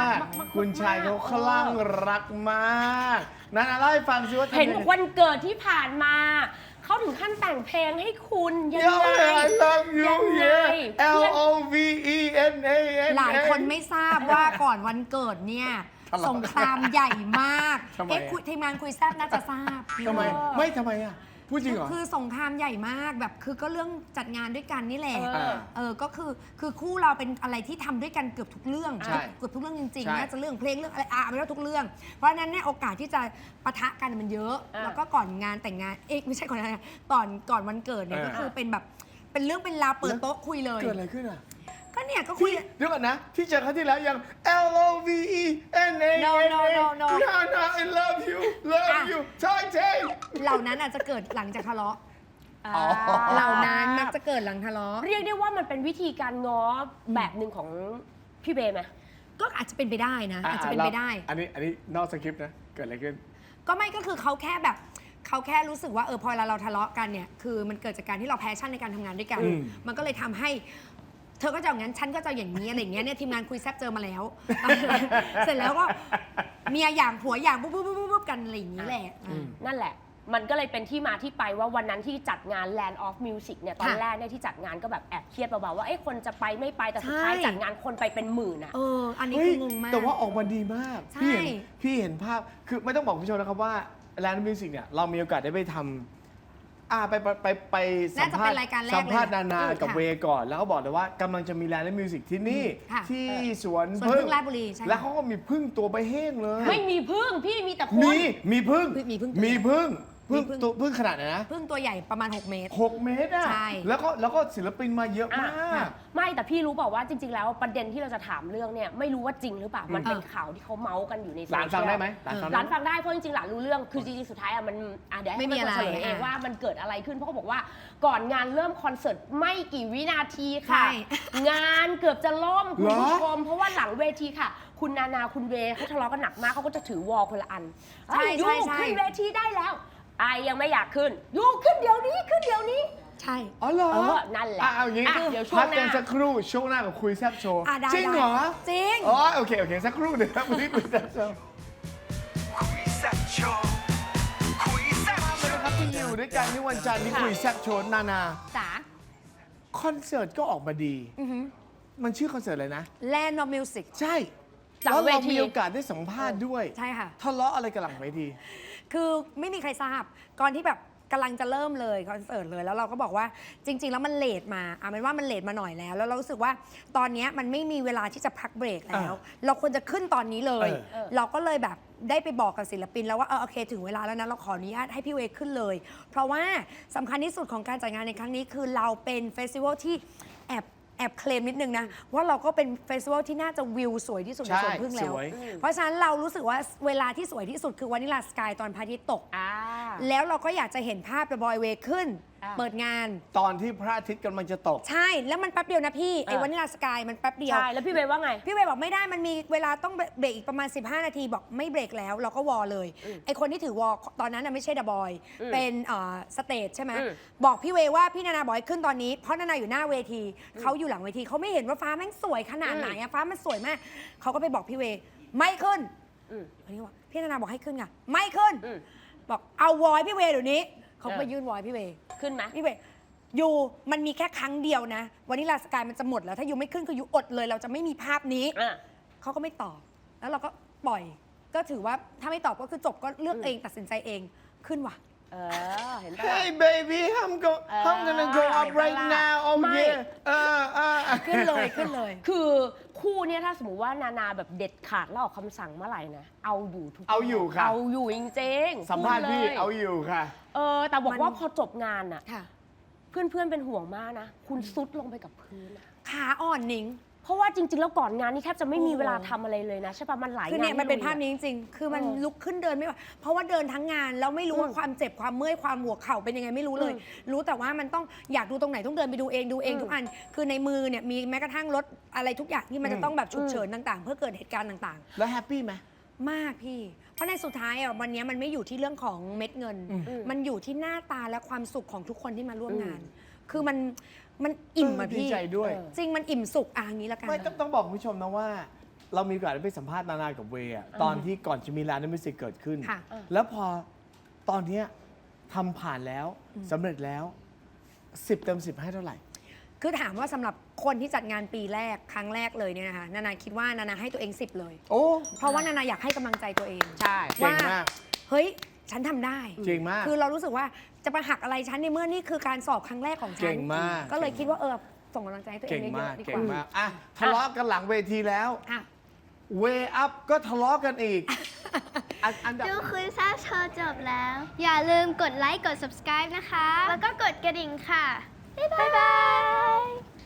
[SPEAKER 2] มากๆ
[SPEAKER 4] คุณชายเขาคลั่ง
[SPEAKER 2] เออ
[SPEAKER 4] รักมากนั่นเล่าให้ฟังสิว่าทำ
[SPEAKER 2] เห็น
[SPEAKER 4] ยังไง
[SPEAKER 2] วันเกิดที่ผ่านมาเขาถึงขั้นแต่งเพลงให้คุณยัง
[SPEAKER 4] Yo
[SPEAKER 2] ไง
[SPEAKER 4] I love you
[SPEAKER 2] ยังไง
[SPEAKER 4] yeah L O V E N A N
[SPEAKER 1] หลายคนไม่ทราบว่าก่อนวันเกิดเนี่ย
[SPEAKER 4] ทะเลาะ
[SPEAKER 1] สงครามใหญ่มาก
[SPEAKER 4] ทำไม
[SPEAKER 1] เอ๊ะ
[SPEAKER 4] อะ
[SPEAKER 1] คุยทีมงานคุยแซบน่าจะทราบ
[SPEAKER 4] ทำไม ไม่ทำไมอ่ะ พูดจริงเหรอ
[SPEAKER 1] คือสงครามใหญ่มากแบบคือก็เรื่องจัดงานด้วยกันนี่แหละ
[SPEAKER 2] เออ
[SPEAKER 1] เออก็คือคือคู่เราเป็นอะไรที่ทำด้วยกันเกือบทุกเรื่อง
[SPEAKER 4] ใช่
[SPEAKER 1] เกือบทุกเรื่องจริง
[SPEAKER 4] ใช่
[SPEAKER 1] ๆน่าจะเรื่องเพลงเรื่องอะไรอ่ะไม่ว่าทุกเรื่อง เพราะฉะนั้นเนี่ยโอกาสที่จะปะทะกันมันเยอะ
[SPEAKER 2] อ่ะ
[SPEAKER 1] แล้วก็ก่อนงานแต่งงานเอ๊ะไม่ใช่ก่อนงานก่อนก่อนวันเกิดเนี่ย
[SPEAKER 4] เออ
[SPEAKER 1] ก็คือเป็นแบบเป็นเรื่องเป็นราวเปิดโต๊ะคุยเลย
[SPEAKER 4] เกิดอะไรขึ้นอ่ะ
[SPEAKER 1] ก็เนี่ยก็คุย
[SPEAKER 4] ที่เดี๋ยวก่อนนะ ที่เจอครั้งที่แล้วยัง L O V E N A N
[SPEAKER 1] No, no, no, no.
[SPEAKER 4] no no I love you love
[SPEAKER 1] อ่ะ
[SPEAKER 4] you ใช่ใช่
[SPEAKER 1] เหล่านั้นอาจจะเกิดหลังจากทะเลาะ
[SPEAKER 4] อ๋อ
[SPEAKER 1] เหล่านั้นมักจะเกิดหลังทะเลาะ
[SPEAKER 2] เรียกได้ว่ามันเป็นวิธีการง้อแบบหนึ่งของพี่เบย์ไหม
[SPEAKER 1] ก็อาจจะเป็นไปได้นะ
[SPEAKER 4] อ่
[SPEAKER 1] อาจจะเป็นไปได้
[SPEAKER 4] อันนี้อันนี้นอกสคริปต์นะ เกิดอะไรขึ้น
[SPEAKER 1] ก็ไม่ก็คือเขาแค่แบบเขาแค่รู้สึกว่าเออพอเวลาเราทะเลาะกันเนี่ยคือมันเกิดจากการที่เราแพชชั่นในการทำงานด้วยกัน
[SPEAKER 4] อืม
[SPEAKER 1] มันก็เลยทำให้ เธอก็จะอย่างนั้นฉันก็จะอย่างนี้อะไรอย่างเงี้ยเนี่ยทีมงานคุยแซบเจอมาแล้ว เสร็จแล้วก็เมียอย่างผัวอย่างปุ๊บปุ๊บปุ๊บปุ๊บกันอะไรอย่างนี้แหละอ่ะ
[SPEAKER 2] นั่นแหละ มันก็เลยเป็นที่มาที่ไปว่าวันนั้นที่จัดงาน Land of Music เนี่ยตอน
[SPEAKER 1] ค่ะ
[SPEAKER 2] แรกเนี่ยที่จัดงานก็แบบแอบเครียดเบาๆว่าเอ้คนจะไปไม่ไปแต่สุดท้าย
[SPEAKER 1] ใช่
[SPEAKER 2] จัดงานคนไปเป็นหมื่นอะ
[SPEAKER 1] เอออันนี้
[SPEAKER 4] เฮ้
[SPEAKER 1] คื
[SPEAKER 4] ย
[SPEAKER 1] องงมาก
[SPEAKER 4] แต่ว่าออกมาดีมาก
[SPEAKER 1] ใช่
[SPEAKER 4] พี่เห็นพี่เห็นภาพ คือไม่ต้องบอกคุณผู้ชมนะครับว่า Land Music เนี่ย เรามีโอกาสได้ไปทำอ่าไปไปไปไปสัม
[SPEAKER 1] น่าจะ
[SPEAKER 4] ภา
[SPEAKER 1] เป็
[SPEAKER 4] ษ
[SPEAKER 1] น
[SPEAKER 4] ณ์
[SPEAKER 1] รายการแรก
[SPEAKER 4] สัมภาษณ์
[SPEAKER 1] เลย
[SPEAKER 4] นา
[SPEAKER 1] นะ
[SPEAKER 4] นา
[SPEAKER 1] อืม
[SPEAKER 4] กับ
[SPEAKER 1] ค่ะ
[SPEAKER 4] เวก่อน แล้วเขาบอกเลยว่ากำลังจะมีแลนด์และมิวสิกที่นี่
[SPEAKER 1] ค่ะ
[SPEAKER 4] ที่สวน
[SPEAKER 1] สวนพึ่งราชบุรีใช่ค่ะ
[SPEAKER 4] แล้วเขาก็มีพึ่งตัวไปเฮ้งเลย
[SPEAKER 2] ไม่มีพึ่งพี่มีแต่คน
[SPEAKER 4] มีมีพึ่ง
[SPEAKER 1] มีพึ่งตัว
[SPEAKER 4] มีพึ่งพึ่ง
[SPEAKER 1] มีพึ่ง
[SPEAKER 4] ตัวพึ่งขนาดไหนนะ
[SPEAKER 1] พึ่งตัวใหญ่ประมาณ หก เมตร
[SPEAKER 4] หกเมตรอ่ะ
[SPEAKER 1] ใช่
[SPEAKER 4] แล้วก็แล้วก็ศิลปินมาเยอะมาก
[SPEAKER 2] ไม่แต่พี่รู้เปล่าว่าจริง ๆ แล้วประเด็นที่เราจะถามเรื่องเนี่ยไม่รู้ว่าจริงหรือเปล่ามันเป็นข่าวที่เขาเมาส์กันอยู่ในโซ
[SPEAKER 4] หลาน
[SPEAKER 2] เชียล
[SPEAKER 4] ฟังได้ไหมหลานฟัง
[SPEAKER 2] ห
[SPEAKER 4] ได้
[SPEAKER 2] ลาน
[SPEAKER 4] ไหม
[SPEAKER 2] ฟังได้เพราะจริงๆหลานรู้เรื่องคือจริงๆสุดท้ายอะมันอ่ะเดี๋ยวให้
[SPEAKER 1] ไม่มี
[SPEAKER 2] เป็นคนเฉลย
[SPEAKER 1] อะไร
[SPEAKER 2] เอง
[SPEAKER 1] อ่ะ
[SPEAKER 2] ว่ามันเกิดอะไรขึ้นเพราะเขาบอกว่าก่อนงานเริ่มคอนเสิร์ตไม่กี่วินาทีค่ะ
[SPEAKER 1] ใช่
[SPEAKER 2] งานเกือบจะล่มคุณ
[SPEAKER 4] เหรอ
[SPEAKER 2] ผู้ชมเพราะว่าหลังเวทีค่ะ คุณนานาคุณเวเขาทะเลาะกันหนักมากเขาก็จะถือวอลคนละอัน
[SPEAKER 1] ใช่
[SPEAKER 2] เอ้ย
[SPEAKER 1] ใช่
[SPEAKER 2] ยู
[SPEAKER 1] ใช่
[SPEAKER 2] ขึ้นเวทีได้แล้วไอยังไม่อยากขึ้นยูขึ้นเดี๋ยวนี้ขึ้นเดี๋ยวนี้
[SPEAKER 1] ใช่
[SPEAKER 4] อ๋อเหรอ
[SPEAKER 2] เออนั่นแหละ
[SPEAKER 4] อ่ะเอาอย่างงี้
[SPEAKER 2] อ่ะเดี๋ยวช่วง
[SPEAKER 4] พัก
[SPEAKER 2] ห
[SPEAKER 4] กัน
[SPEAKER 2] น้า
[SPEAKER 4] สักครู่ช่วงหน้ากับคุยแซบโชว์
[SPEAKER 1] อ่ะได้
[SPEAKER 4] จริงเหรอ
[SPEAKER 1] ได้จริง
[SPEAKER 4] อ๋อโอเคโอเคสักครู่เดี๋ยวครับวันนี้คุยแซบโชว์
[SPEAKER 3] คุยแซ่บโชว์คุยแซ่บ
[SPEAKER 4] มาเลยนะครับที่อยู่ด้วยกันที่วันจันทร์ที่คุยแซบโชว์นานา
[SPEAKER 1] จ๋า
[SPEAKER 4] คอนเสิร์ตก็ออกมาดี
[SPEAKER 1] อือหือ
[SPEAKER 4] มันชื่อคอนเสิร์ตอะไรนะ
[SPEAKER 1] Land of Music
[SPEAKER 4] ใช่
[SPEAKER 2] หลัง
[SPEAKER 4] แล้ว
[SPEAKER 2] เว
[SPEAKER 4] เรา
[SPEAKER 2] ที
[SPEAKER 4] มีโอกาสได้สัมภาษณ์ด้วย
[SPEAKER 1] ใช่ค่ะ
[SPEAKER 4] ทะเลาะอะไรกันหลังเวที
[SPEAKER 1] คือไม่มีใครทราบก่อนที่แบบกำลังจะเริ่มเลยคอนเสิร์ตเลยแล้วเราก็บอกว่าจริง ๆ แล้วมันเลทมาอ่ะมันว่ามันเลทมาหน่อยแล้ว แล้วเรารู้สึกว่าตอนเนี้ยมันไม่มีเวลาที่จะพักเบรกแล้ว เราควรจะขึ้นตอนนี้เลย
[SPEAKER 4] เออ
[SPEAKER 1] เราก็เลยแบบได้ไปบอกกับศิลปินแล้วว่าเออโอเคถึงเวลาแล้วนะเราขออนุญาตให้พี่เวย์ขึ้นเลย เพราะว่าสำคัญที่สุดของการจัดงานในครั้งนี้คือเราเป็นเฟสติวัลที่แอบแอบเคลมนิดนึงนะว่าเราก็เป็นเฟสติวัลที่น่าจะวิวสวยที่สุดในสวนพึ่งแล้ว
[SPEAKER 4] สวย
[SPEAKER 1] เพราะฉะนั้นเรารู้สึกว่าเวลาที่สวยที่สุดคือวานิลาสกายตอนพระอาทิตย์ตก
[SPEAKER 2] อ่า
[SPEAKER 1] แล้วเราก็อยากจะเห็นภาพเดอะบอยเวย์ขึ้น
[SPEAKER 2] อ่า
[SPEAKER 1] เปิดงาน
[SPEAKER 4] ตอนที่พระอาทิตย์กำลังจะตก
[SPEAKER 1] ใช่ แล้วมันแป๊บเดียวนะพี่ ไอ้
[SPEAKER 2] เออ
[SPEAKER 1] วานิลาสกายมันแป๊บเดียว
[SPEAKER 2] ใช่แล้วพี่เวย์ว่าไง
[SPEAKER 1] พี่เวย์บอกไม่ได้มันมีเวลาต้องเบรกอีกประมาณ สิบห้า นาทีบอกไม่เบรกแล้วเราก็วอลเลย ไอ้คนที่ถือวอลตอนนั้นน่ะไม่ใช่เดอะบอย
[SPEAKER 2] อืม
[SPEAKER 1] เป็นเอ่อสเตจใช่ไหม
[SPEAKER 2] อืม
[SPEAKER 1] บอกพี่เวย์ว่าพี่นานาบอกให้ขึ้นตอนนี้เพราะนานาอยู่หน้าเวทีเขาอยู่หลังเวทีเขาไม่เห็นว่าฟ้าแม่งสวยขนาดไหนอะฟ้ามันสวยมากเขาก็ไปบอกพี่เวย์ไม่ขึ้น
[SPEAKER 2] อืม
[SPEAKER 1] วันนี้บอกพี่นานาบอกให้ขึ้นไงไม่ขึ้น
[SPEAKER 2] อืม
[SPEAKER 1] บอกเอาวอยพี่เวย์เดี๋ยวนี้เขาก็
[SPEAKER 2] เออ
[SPEAKER 1] ไปยื่นวอยพี่เวย์
[SPEAKER 2] ขึ้นไหม
[SPEAKER 1] พี่เวย์ยูมันมีแค่ครั้งเดียวนะวันนี้ลาสกายมันจะหมดแล้ว ถ้ายูไม่ขึ้นคือยูอดเลย เราจะไม่มีภาพนี้
[SPEAKER 2] อ่ะ
[SPEAKER 1] เขาก็ไม่ตอบ แล้วเราก็ปล่อย ก็ถือว่าถ้าไม่ตอบก็คือจบก็เลือกเองตัดสินใจเองขึ้นว่ะ
[SPEAKER 2] เออ เห็นปะ
[SPEAKER 4] Hey baby I'm go
[SPEAKER 2] เออ
[SPEAKER 4] I'm gonna go up right now oh
[SPEAKER 2] ไม่
[SPEAKER 4] yeah เออเออ
[SPEAKER 1] ขึ้นเลยขึ้นเลย
[SPEAKER 2] คือคู่เนี้ยถ้าสมมติว่านานาแบบเด็ดขาดแล้วออกคำสั่งเมื่อไหร่นะ เอาอยู่ทุก
[SPEAKER 4] เอาอยู่ค่ะ
[SPEAKER 2] เอาอยู่จริงๆ
[SPEAKER 4] สัมภาษณ์พี่
[SPEAKER 2] พูดลย
[SPEAKER 4] เอาอยู่ค่ะ
[SPEAKER 2] เออ แต่บอก
[SPEAKER 1] มัน
[SPEAKER 2] ว่าพอจบงานอะ
[SPEAKER 1] ค่ะ
[SPEAKER 2] เพื่อนๆเป็นห่วงมากนะ คุณซุดลงไปกับพื้นอะ
[SPEAKER 1] ขาอ่อนหนิง
[SPEAKER 2] เพราะว่าจริง ๆ แล้วก่อนงานนี่แทบจะไม่มี
[SPEAKER 1] โอ้
[SPEAKER 2] เวลาทำอะไรเลยนะ ใช่ปะมันหลาย
[SPEAKER 1] คือง
[SPEAKER 2] าน
[SPEAKER 1] เนี่ยมันเป็น
[SPEAKER 2] ที่
[SPEAKER 1] ภาพ
[SPEAKER 2] ลุย
[SPEAKER 1] นี้จริงๆ คือมัน
[SPEAKER 2] เออ
[SPEAKER 1] ลุกขึ้นเดินไม่ไหว เพราะว่าเดินทั้งงานแล้วไม่รู้ว่า
[SPEAKER 2] อืม
[SPEAKER 1] ความเจ็บความเมื่อยความหัวเข่าเป็นยังไงไม่รู้เลย
[SPEAKER 2] อืม
[SPEAKER 1] รู้แต่ว่ามันต้องอยากดูตรงไหนต้องเดินไปดูเองดูเอง
[SPEAKER 2] อืม
[SPEAKER 1] ทุกอัน คือในมือเนี่ยมีแม้กระทั่งรถอะไรทุกอย่างที่มัน
[SPEAKER 4] อืม
[SPEAKER 1] จะต้องแบบฉุกเฉินต่างๆ เพื่อเกิดเหตุการณ์ต่าง
[SPEAKER 4] แล้วแฮปปี้ไหม
[SPEAKER 1] ๆ มากพี่ เพราะในสุดท้ายอ่ะวันนี้มันไม่อยู่ที่เรื่องของเม็ดเงิน
[SPEAKER 4] อืม
[SPEAKER 1] มันอยู่ที่หน้าตาและความสุขของทุกคนที่มาร่วมงาน คือมันมันอิ่มอะ
[SPEAKER 4] ดี
[SPEAKER 1] พี่
[SPEAKER 4] ใจด้วย
[SPEAKER 2] เออ
[SPEAKER 1] จริงมันอิ่มสุขอ่ะอย่างนี้ละกัน
[SPEAKER 4] ไม่ต้องต้องบอกคุณผู้ชมนะว่า เรามีโอกาสได้ไปสัมภาษณ์นานากับเวย์อะตอนที่ก่อนจะมีร้านมิวสิกเกิดขึ้น
[SPEAKER 1] ค่ะ
[SPEAKER 4] แล้วพอตอนเนี้ยทำผ่านแล้วสำเร็จแล้วสิบเต็มสิบให้เท่าไหร่
[SPEAKER 1] คือถามว่าสำหรับคนที่จัดงานปีแรกครั้งแรกเลยเนี่ยนะคะนานาคิดว่านานาให้ตัวเองสิบเลย
[SPEAKER 4] โอ้
[SPEAKER 1] เพราะว่านานาอยากให้กำลังใจตัวเอง
[SPEAKER 2] ใช่
[SPEAKER 4] เก่งมาก
[SPEAKER 1] เฮ้ยฉันทำได้
[SPEAKER 4] เก่งมาก
[SPEAKER 1] คือเรารู้สึกว่าจะมาหักอะไรฉันในเมื่อนี่คือการสอบครั้งแรกของฉัน
[SPEAKER 4] เก่งมาก
[SPEAKER 1] ก็เลยคิดว่าเออส่งกำลังใจให้ตัวเอ
[SPEAKER 4] เก่
[SPEAKER 1] ง
[SPEAKER 4] ง
[SPEAKER 1] เย
[SPEAKER 4] มาก
[SPEAKER 1] อะๆดีก
[SPEAKER 4] เก่ง
[SPEAKER 1] ว่า
[SPEAKER 4] มากอ่ะทะเลาะกันหลังเวทีแล้ว
[SPEAKER 1] อ่ะ
[SPEAKER 4] เวอัพก็ทะเลาะกันอีกอันอันดับ
[SPEAKER 6] ดูคุยแซ่บโชว์จบแล้ว อย่าลืมกดไลค์ กด subscribe นะคะ
[SPEAKER 5] แล้วก็กดกระดิ่งค่ะ
[SPEAKER 6] บ๊ายบาย